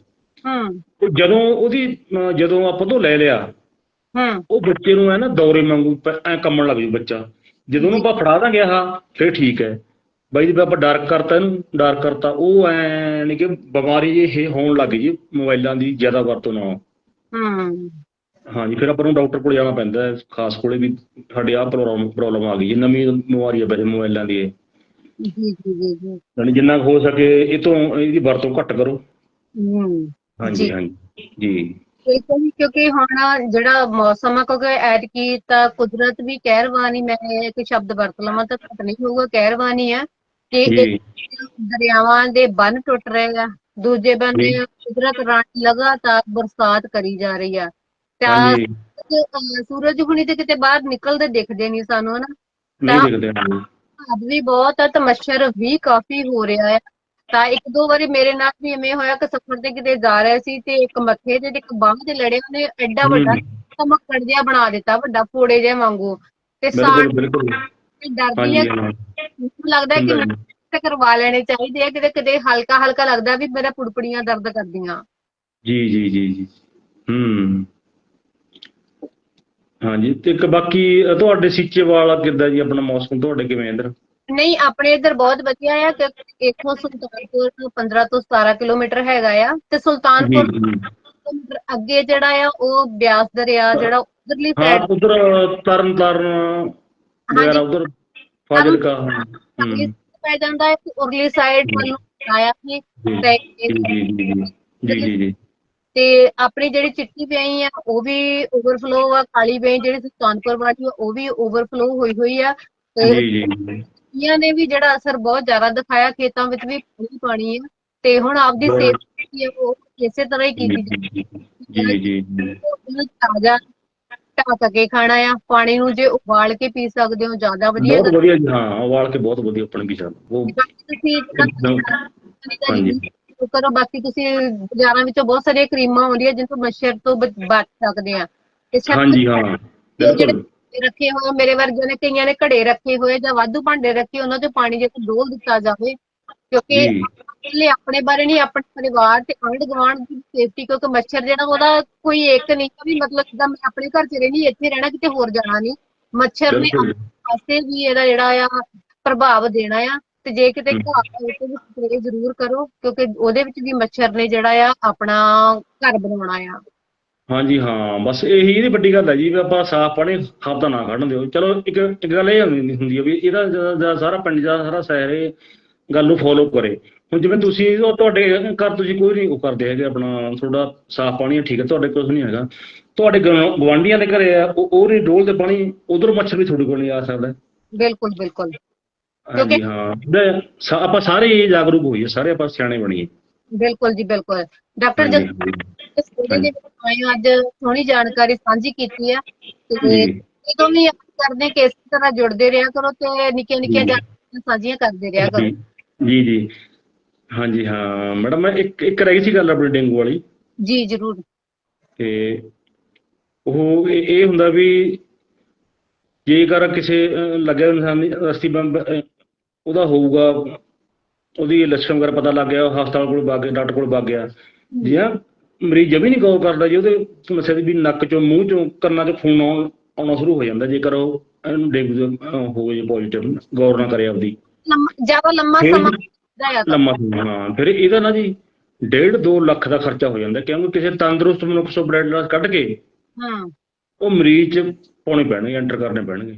[SPEAKER 2] ਜਦੋਂ ਆਪਾਂ ਤੋਂ ਲੈ ਲਿਆ, ਉਹ ਬੱਚੇ ਨੂੰ ਐ ਨਾ ਦੌਰੇ ਵਾਂਗੂ ਐ ਕੰਮਣ ਲੱਗ ਜੂ ਬੱਚਾ। ਜਦੋਂ ਉਹਨੂੰ ਆਪਾਂ ਫੜਾ ਦਾਂਗੇ ਆਹ ਫਿਰ ਠੀਕ ਹੈ ਬਾਈ ਜੀ, ਆਪਾਂ ਡਾਰਕ ਕਰਤਾ, ਇਹਨੂੰ ਡਾਰਕ ਕਰਤਾ, ਉਹ ਐ ਕਿ ਬਿਮਾਰੀ ਇਹ ਹੋਣ ਲੱਗ ਗਈ ਜੀ ਮੋਬਾਈਲਾਂ ਦੀ ਜ਼ਿਆਦਾ ਵਰਤੋਂ ਨਾਲ। ਹਾਂਜੀ, ਫਿਰ ਆਪਾਂ ਨੂੰ ਡਾਕਟਰ ਕੋਲ ਜਾਣਾ ਪੈਂਦਾ ਖਾਸ ਕੋਲੇ ਵੀ, ਸਾਡੇ ਆਹ ਪ੍ਰੋਬਲਮ ਆ ਗਈ ਜੀ, ਨਵੀਂ ਬਿਮਾਰੀ ਆ ਵੈਸੇ ਮੋਬਾਈਲਾਂ ਦੀ ਇਹ। ਯਾਨੀ ਜਿੰਨਾ ਹੋ ਸਕੇ ਇਹ ਤੋਂ ਇਹਦੀ ਵਰਤੋਂ ਘੱਟ ਕਰੋ। ਹਾਂਜੀ ਹਾਂਜੀ ਜੀ।
[SPEAKER 1] ਕਿਉਂਕਿ ਹੁਣ ਜਿਹੜਾ ਮੌਸਮ ਆ, ਕਿਉਂਕਿ ਐਤਕੀ ਤਾਂ ਕੁਦਰਤ ਵੀ ਕਹਿਰਵਾਨ ਹੀ, ਮੈਂ ਇੱਕ ਸ਼ਬਦ ਵਰਤ ਲਵਾਂ ਤਾਂ ਘੱਟ ਨਹੀਂ ਹੋਊਗਾ, ਕਹਿਰਵਾਨ ਹੀ ਆ ਕਿ ਦਰਿਆਵਾਂ ਦੇ ਬੰਨ ਟੁੱਟ ਰਹੇ ਆ, ਦੂਜੇ ਬੰਨੇ ਕੁਦਰਤ ਰਾਣੀ ਲਗਾਤਾਰ ਬਰਸਾਤ ਕਰੀ ਜਾ ਰਹੀ ਆ। ਤਾਂ ਸੂਰਜ ਹੁਣੀ ਤੇ ਕਿਤੇ ਬਾਹਰ ਨਿਕਲਦੇ ਦਿਖਦੇ ਨਹੀਂ ਸਾਨੂੰ, ਹਨਾ। ਤਾਂ ਭਾਵ ਵੀ ਬਹੁਤ ਆ ਤੇ ਮੱਛਰ ਵੀ ਕਾਫੀ ਹੋ ਰਿਹਾ ਆ। ਤਾਂ 1-2 ਵਾਰੀ ਮੇਰੇ ਨਾਲ ਵੀ ਇਵੇਂ ਹੋਇਆ ਕਿ ਸਫ਼ਰ ਤੇ ਕਿਤੇ ਜਾ ਰਹੇ ਸੀ ਤੇ ਇੱਕ ਮੱਥੇ ਤੇ ਇੱਕ ਬਾਂਹ ਤੇ ਲੜੇ, ਉਹਨੇ ਐਡਾ ਵੱਡਾ ਮੱਕੜ ਜਿਹਾ ਬਣਾ ਦਿੱਤਾ, ਵੱਡਾ ਫੋੜੇ ਜਿਹਾ ਵਾਂਗੂ। ਤੇ ਸਾਹ ਡਰਦੀ ਆ, ਮੈਨੂੰ ਲੱਗਦਾ ਕਿ ਕਰਵਾ ਲੈਣੇ ਚਾਹੀਦੇ ਆ, ਕਿਤੇ ਕਿਤੇ ਹਲਕਾ ਹਲਕਾ ਲੱਗਦਾ ਵੀ ਮੇਰਾ ਪੁੜਪੜੀਆਂ ਦਰਦ ਕਰਦੀਆਂ।
[SPEAKER 2] ਜੀ ਜੀ ਜੀ ਜੀ। ਹਾਂਜੀ, ਤੇ ਇੱਕ ਬਾਕੀ ਤੁਹਾਡੇ ਸੀਚੇਵਾਲ ਕਿੱਦਾਂ ਜੀ, ਆਪਣਾ ਮੌਸਮ ਤੁਹਾਡੇ ਕਿਵੇਂ ਇੱਧਰ?
[SPEAKER 1] ਨਹੀਂ, ਆਪਣੇ ਇੱਧਰ ਬਹੁਤ ਵਧੀਆ ਆ, ਕਿਉਂਕਿ ਇੱਥੋਂ ਸੁਲਤਾਨਪੁਰ 15 ਤੋਂ 17 ਕਿਲੋਮੀਟਰ ਹੈਗਾ ਆ, ਤੇ ਸੁਲਤਾਨਪੁਰ ਅੱਗੇ ਜਿਹੜਾ ਆ ਉਹ ਬਿਆਸ ਦਰਿਆ ਜਿਹੜਾ ਉਧਰਲੀ ਸਾਈਡ,
[SPEAKER 2] ਉਧਰ ਤਰਨ ਤਾਰਨ ਵਗੈਰਾ, ਉਧਰ ਫਾਜ਼ਿਲਕਾ
[SPEAKER 1] ਪੈ ਜਾਂਦਾ ਹੈ, ਉਰਲੀ ਸਾਈਡ ਵੱਲੋਂ ਆਇਆ ਸੀ। ਤੇ ਆਪਣੀ ਜਿਹੜੀ ਚਿੱਟੀ ਪਿਆਈ ਆ ਉਹ ਵੀ ਓਵਰਫਲੋ ਆ, ਕਾਲੀ ਪਿਆਈ ਜਿਹੜੀ ਸੁਲਤਾਨਪੁਰ ਵਾਲੀ ਆ ਉਹ ਵੀ ਓਵਰਫਲੋ ਹੋਈ ਹੋਈ ਆ। ਤੇ ਨੇ ਵੀ ਜਿਹੜਾ ਅਸਰ ਬਹੁਤ ਜ਼ਿਆਦਾ ਦਿਖਾਇਆ, ਖੇਤਾਂ ਵਿੱਚ ਵੀ ਪਾਣੀ ਆ, ਤੇ ਹੁਣ ਆਪਦੀ ਸਿਹਤ ਉਹ ਇਸੇ ਤਰ੍ਹਾਂ ਹੀ ਕੀਤੀ ਤਾਜ਼ਾ ਢੱਕ ਕੇ ਖਾਣਾ ਆ। ਪਾਣੀ ਨੂੰ ਜੇ ਉਬਾਲ ਕੇ ਪੀ ਸਕਦੇ ਹੋ ਜ਼ਿਆਦਾ ਵਧੀਆ,
[SPEAKER 2] ਬਹੁਤ ਵਧੀਆ ਜੀ। ਹਾਂ, ਉਬਾਲ ਕੇ ਬਹੁਤ ਵਧੀਆ ਆਪਣੇ ਪੀ ਸਕਦੇ।
[SPEAKER 1] ਕਰੋ, ਬਾਕੀ ਤੁਸੀਂ ਬਾਜ਼ਾਰਾਂ ਵਿੱਚੋਂ ਬਹੁਤ ਸਾਰੀਆਂ ਕਰੀਮਾਂ ਆਉਂਦੀਆਂ ਜਿਨ੍ਹਾਂ ਤੋਂ ਮੱਛਰ ਤੋਂ ਬਚ ਸਕਦੇ ਆ।
[SPEAKER 2] ਹਾਂਜੀ ਹਾਂ, ਬਿਲਕੁਲ।
[SPEAKER 1] ਰੱਖੇ ਹੋਏ, ਮੇਰੇ ਵਰਗੇ ਨੇ ਕਈਆਂ ਨੇ ਘੜੇ ਰੱਖੇ ਹੋਏ ਜਾਂ ਵਾਧੂ ਭਾਂਡੇ ਰੱਖੇ, ਉਹਨਾਂ 'ਚ ਪਾਣੀ ਜੇ ਡੋਲ ਦਿੱਤਾ ਜਾਵੇ, ਕਿਉਂਕਿ
[SPEAKER 2] ਜੀ
[SPEAKER 1] ਇਕੱਲੇ ਆਪਣੇ ਬਾਰੇ ਨਹੀਂ, ਆਪਣੇ ਪਰਿਵਾਰ ਤੇ ਆਂਢ ਗੁਆਂਢ ਦੀ ਸੇਫਟੀ, ਕਿਉਂਕਿ ਮੱਛਰ ਜਿਹੜਾ ਉਹਦਾ ਕੋਈ ਇੱਕ ਨਹੀਂ ਵੀ ਮਤਲਬ ਜਿੱਦਾਂ ਮੈਂ ਆਪਣੇ ਘਰ 'ਚ ਰਹਿਣੀ, ਇੱਥੇ ਰਹਿਣਾ, ਕਿਤੇ ਹੋਰ ਜਾਣਾ ਨਹੀਂ। ਮੱਛਰ ਨੇ
[SPEAKER 2] ਬਿਲਕੁਲ
[SPEAKER 1] ਆਪਣੇ ਪਾਸੇ ਵੀ ਇਹਦਾ ਜਿਹੜਾ ਆ ਪ੍ਰਭਾਵ ਦੇਣਾ ਆ। ਤੇ ਜੇ ਕਿਤੇ
[SPEAKER 2] ਹਮ,
[SPEAKER 1] ਘਰ ਦੇ ਵਿੱਚ ਵੀ ਸਪਰੇਅ ਜ਼ਰੂਰ ਕਰੋ, ਕਿਉਂਕਿ ਉਹਦੇ ਵਿੱਚ ਵੀ ਮੱਛਰ ਨੇ ਜਿਹੜਾ ਆ ਆਪਣਾ ਘਰ ਬਣਾਉਣਾ ਆ।
[SPEAKER 2] ਹਾਂਜੀ ਹਾਂ, ਬਸ ਇਹੀ ਇਹਦੀ ਵੱਡੀ ਗੱਲ ਹੈ ਜੀ ਵੀ ਆਪਾਂ ਸਾਫ਼ ਪਾਣੀ ਖਾਦਾ ਨਾ ਕੱਢਣ ਦਿਓ। ਚਲੋ ਇੱਕ ਗੱਲ ਇਹ ਹੁੰਦੀ ਹੈ ਵੀ ਇਹਦਾ ਜ਼ਿਆਦਾ ਸਾਰਾ ਪਿੰਡ ਦਾ ਸਾਰਾ ਸ਼ਹਿਰ ਇਹ ਗੱਲ ਨੂੰ ਫੋਲੋ ਕਰੇ। ਹੁਣ ਜਿਵੇਂ ਤੁਸੀਂ ਉਹ ਤੁਹਾਡੇ ਘਰ ਤੁਸੀਂ ਕੋਈ ਨਹੀਂ ਉਹ ਕਰਦੇ ਹੈਗੇ, ਆਪਣਾ ਤੁਹਾਡਾ ਸਾਫ਼ ਪਾਣੀ ਹੈ, ਠੀਕ ਹੈ, ਤੁਹਾਡੇ ਕੁਝ ਨਹੀਂ ਹੈਗਾ, ਤੁਹਾਡੇ ਗੁਆਂਢੀਆਂ ਦੇ ਘਰੇ ਆ, ਉਹ ਨਹੀਂ ਡੋਲਦੇ ਪਾਣੀ, ਉਧਰ ਮੱਛਰ ਵੀ ਤੁਹਾਡੇ ਕੋਲ ਨਹੀਂ ਆ ਸਕਦਾ।
[SPEAKER 1] ਬਿਲਕੁਲ ਬਿਲਕੁਲ, ਕਿਉਂਕਿ
[SPEAKER 2] ਹਾਂਜੀ ਹਾਂ, ਆਪਾਂ ਸਾਰੇ ਹੀ ਜਾਗਰੂਕ ਹੋਈਏ, ਸਾਰੇ ਆਪਾਂ ਸਿਆਣੇ ਬਣੀਏ।
[SPEAKER 1] ਬਿਲਕੁਲ ਜੀ ਬਿਲਕੁਲ। ਡਾਕਟਰ
[SPEAKER 2] ਹਾਂਜੀ
[SPEAKER 1] ਜਗਤਾਰ ਸਟੱਡੀ
[SPEAKER 2] ਹਾਂਜੀ
[SPEAKER 1] ਦੇ ਵਿੱਚ ਆਏ ਹੋ, ਅੱਜ ਸੋਹਣੀ ਜਾਣਕਾਰੀ ਸਾਂਝੀ ਕੀਤੀ ਆ, ਤੇ
[SPEAKER 2] ਜੀ
[SPEAKER 1] ਜਦੋਂ ਵੀ ਆਪਾਂ ਕਰਦੇ ਕਿ ਇਸੇ ਤਰ੍ਹਾਂ ਜੁੜਦੇ ਰਿਹਾ ਕਰੋ ਤੇ ਨਿੱਕੀਆਂ ਨਿੱਕੀਆਂ
[SPEAKER 2] ਜੀ
[SPEAKER 1] ਜਾਣਕਾਰੀਆਂ ਸਾਂਝੀਆਂ ਕਰਦੇ ਰਿਹਾ ਕਰੋ।
[SPEAKER 2] ਜੀ ਜੀ ਜੀ ਹਾਂਜੀ ਹਾਂ ਮੈਡਮ, ਮੈਂ ਇੱਕ ਰਹਿ ਗਈ ਸੀ ਗੱਲ ਆਪਣੀ ਡੇਂਗੂ ਵਾਲੀ।
[SPEAKER 1] ਜੀ ਜ਼ਰੂਰ।
[SPEAKER 2] ਤੇ ਉਹ ਇਹ ਹੁੰਦਾ ਵੀ ਜੇਕਰ ਕਿਸੇ ਲੱਗਿਆ ਇਨਸਾਨ ਦੀ ਅਸਥੀ ਬੰਬ ਉਹਦਾ ਹੋਊਗਾ, ਉਹਦੀ ਲੱਛਣ ਵਗੈਰਾ ਪਤਾ ਲੱਗ ਗਿਆ, ਹਸਪਤਾਲ ਕੋਲ ਵਗ ਗਿਆ, ਡਾਕਟਰ ਕੋਲ ਵਗ ਗਿਆ, ਜੀ ਹਾਂ, ਮਰੀਜ਼ ਜਮੀ ਨਹੀਂ ਗੌਰ ਕਰਦਾ ਜੀ ਉਹਦੇ ਸਮੱਸਿਆ ਦੀ, ਵੀ ਨੱਕ ਚੋਂ ਮੂੰਹ ਚੋਂ ਕੰਨਾਂ 'ਚ ਖੂਨ ਆਉਣਾ ਸ਼ੁਰੂ ਹੋ ਜਾਂਦਾ ਜੇਕਰ ਉਹ ਇਹਨੂੰ ਡੇਂਗੂ ਹੋ ਜੇ ਪੋਜ਼ੀਟਿਵ, ਗੌਰ ਨਾ ਕਰੇ ਆਪਦੀ।
[SPEAKER 1] ਜ਼ਿਆਦਾ ਲੰਮਾ
[SPEAKER 2] ਫਿਰ
[SPEAKER 1] ਸਮਾਂ ਜਾਇਆ ਤਾਂ।
[SPEAKER 2] ਲੰਮਾ ਸਮਾਂ, ਹਾਂ, ਫਿਰ ਇਹਦਾ ਨਾ ਜੀ 1.5-2 ਲੱਖ ਦਾ ਖਰਚਾ ਹੋ ਜਾਂਦਾ, ਕਿਉਂਕਿ ਕਿਸੇ ਤੰਦਰੁਸਤ ਮਨੁੱਖ ਤੋਂ ਬਲੱਡ ਲਾਸ ਕੱਢ ਕੇ ਉਹ ਮਰੀਜ਼ 'ਚ ਪਾਉਣੇ ਪੈਣਗੇ, ਐਂਟਰ ਕਰਨੇ ਪੈਣਗੇ।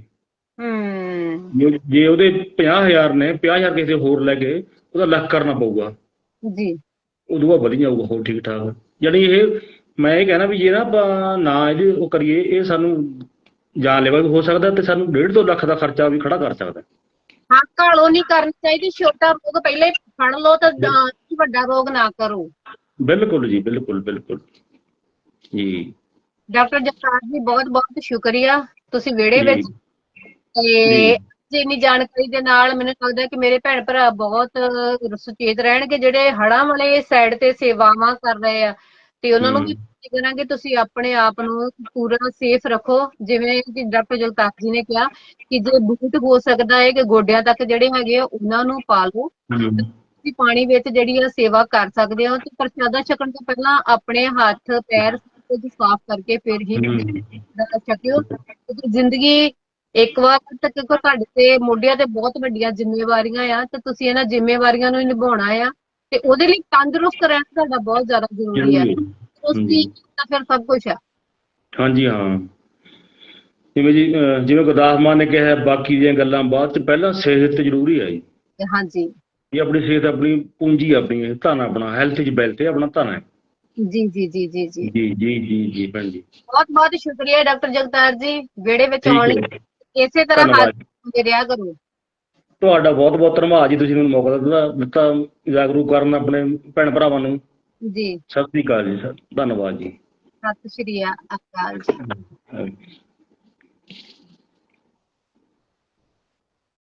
[SPEAKER 2] ਜੇ ਉਹਦੇ 50,000 ਨੇ, 50,000 ਕਿਸੇ ਹੋਰ ਲੈ ਕੇ ਉਹਦਾ ਲੱਖ ਕਰਨਾ ਪਊਗਾ
[SPEAKER 1] ਜੀ।
[SPEAKER 2] ਉਦੋਂ ਬਾਅਦ ਵਧੀ ਜਾਊਗਾ ਹੋਰ ਠੀਕ ਠਾਕ। ਯਾਨੀ ਇਹ ਮੈਂ ਇਹ ਕਹਿਣਾ ਵੀ ਜੇ ਨਾ ਆਪਾਂ ਨਾ ਇਹਦੀ ਉਹ ਕਰੀਏ, ਇਹ ਸਾਨੂੰ ਜਾਨਲੇਵਾ ਵੀ ਹੋ ਸਕਦਾ ਤੇ ਸਾਨੂੰ 1.5-2 ਲੱਖ ਦਾ ਖਰਚਾ ਵੀ ਖੜਾ ਕਰ ਸਕਦਾ।
[SPEAKER 1] ਹਾਂ, ਘਾਲੋ ਨਹੀਂ ਕਰਨੀ ਚਾਹੀਦੀ, ਛੋਟਾ ਰੋਗ ਪਹਿਲਾਂ ਹੀ ਫੜ ਲਓ ਤਾਂ ਵੱਡਾ ਰੋਗ ਨਾ ਕਰੋ।
[SPEAKER 2] ਬਿਲਕੁਲ ਜੀ, ਬਿਲਕੁਲ ਬਿਲਕੁਲ ਜੀ।
[SPEAKER 1] ਡਾਕਟਰ ਜਗਤਾਰ ਜੀ ਬਹੁਤ ਬਹੁਤ ਸ਼ੁਕਰੀਆ, ਤੁਸੀਂ ਵਿਹੜੇ
[SPEAKER 2] ਜੀ
[SPEAKER 1] ਵਿੱਚ ਤੇ
[SPEAKER 2] ਜੀ
[SPEAKER 1] ਇੰਨੀ ਜਾਣਕਾਰੀ ਦੇ ਨਾਲ ਮੈਨੂੰ ਲੱਗਦਾ ਕਿ ਮੇਰੇ ਭੈਣ ਭਰਾ ਬਹੁਤ ਸੁਚੇਤ ਰਹਿਣਗੇ, ਜਿਹੜੇ ਹੜ੍ਹਾਂ ਵਾਲੇ ਸਾਈਡ ਤੇ ਸੇਵਾਵਾਂ ਕਰ ਰਹੇ ਆ, ਤੇ ਉਹਨਾਂ ਨੂੰ ਵੀ ਕਰਾਂਗੇ ਤੁਸੀਂ ਆਪਣੇ ਆਪ ਨੂੰ ਪੂਰਾ ਸੇਫ ਰੱਖੋ। ਜਿਵੇਂ ਕਿ ਡਾਕਟਰ ਜਗਤਾਰ ਜੀ ਨੇ ਕਿਹਾ ਕਿ ਜੇ ਬੂਟ ਹੋ ਸਕਦਾ ਹੈ ਕਿ ਗੋਡਿਆਂ ਤੱਕ ਜਿਹੜੇ ਹੈਗੇ ਆ ਉਹਨਾਂ ਨੂੰ ਪਾ ਲਓ, ਤੁਸੀਂ ਪਾਣੀ ਵਿੱਚ ਜਿਹੜੀ ਆ ਸੇਵਾ ਕਰ ਸਕਦੇ ਹੋ, ਤੇ ਪ੍ਰਸ਼ਾਦਾ ਛਕਣ ਤੋਂ ਪਹਿਲਾਂ ਆਪਣੇ ਹੱਥ ਪੈਰ ਕੁਝ ਸਾਫ਼ ਕਰਕੇ ਫਿਰ ਹੀ ਛਕਿਓ, ਕਿਉਂਕਿ ਜ਼ਿੰਦਗੀ ਇੱਕ ਵਾਰ ਤੱਕ ਤੁਹਾਡੇ ਤੇ ਮੋਢਿਆਂ ਤੇ ਬਹੁਤ ਵੱਡੀਆਂ ਜ਼ਿੰਮੇਵਾਰੀਆਂ ਆ, ਤੇ ਤੁਸੀਂ ਇਹਨਾਂ ਜ਼ਿੰਮੇਵਾਰੀਆਂ ਨੂੰ ਨਿਭਾਉਣਾ ਆ, ਤੇ ਉਹਦੇ ਲਈ ਤੰਦਰੁਸਤ ਰਹਿਣਾ ਤੁਹਾਡਾ ਬਹੁਤ ਜ਼ਿਆਦਾ ਜ਼ਰੂਰੀ ਹੈ। ਤੰਦਰੁਸਤੀ ਤਾਂ ਫਿਰ ਸਭ ਕੁਝ ਆ।
[SPEAKER 2] ਹਾਂਜੀ ਹਾਂ, ਜਿਵੇਂ ਗੁਰਦਾਸ ਮਾਨ ਨੇ ਕਿਹਾ, ਬਾਕੀ ਦੀਆਂ ਗੱਲਾਂ ਬਾਅਦ ਚ, ਪਹਿਲਾਂ ਸਿਹਤ ਜ਼ਰੂਰੀ ਹੈ ਜੀ।
[SPEAKER 1] ਹਾਂਜੀ,
[SPEAKER 2] ਇਹ ਆਪਣੀ ਸਿਹਤ ਆਪਣੀ ਪੂੰਜੀ, ਆਪਣੀ ਧਨ, ਆਪਣਾ ਹੈਲਥ ਇਜ਼ ਵੈਲਥ, ਆਪਣਾ ਧਨ ਹੈ।
[SPEAKER 1] ਜੀ ਜੀ ਜੀ ਜੀ ਜੀ
[SPEAKER 2] ਜੀ ਜੀ ਜੀ ਜੀ ਭੈਣ ਜੀ,
[SPEAKER 1] ਬਹੁਤ ਬਹੁਤ ਸ਼ੁਕਰੀਆ ਡਾਕਟਰ ਜਗਤਾਰ ਜੀ, ਵਿਹੜੇ ਵਿੱਚ
[SPEAKER 2] ਠੀਕ
[SPEAKER 1] ਆਉਣ
[SPEAKER 2] ਹੈ,
[SPEAKER 1] ਲਈ। ਇਸੇ ਤਰ੍ਹਾਂ ਹੱਥ
[SPEAKER 2] ਧੰਨਵਾਦ।
[SPEAKER 1] ਦੇ ਰਿਹਾ ਕਰੋ।
[SPEAKER 2] ਤੁਹਾਡਾ ਬਹੁਤ ਬਹੁਤ ਧੰਨਵਾਦ ਜੀ, ਤੁਸੀਂ ਮੈਨੂੰ ਮੌਕਾ ਦਿੱਤਾ ਜਾਗਰੂਕ ਕਰਨ ਆਪਣੇ ਭੈਣ ਭਰਾਵਾਂ ਨੂੰ।
[SPEAKER 1] ਜੀ,
[SPEAKER 2] ਸਤਿ ਸ੍ਰੀ ਅਕਾਲ ਜੀ, ਧੰਨਵਾਦ ਜੀ।
[SPEAKER 1] ਸਤਿ ਸ਼੍ਰੀ ਅਕਾਲ ਜੀ।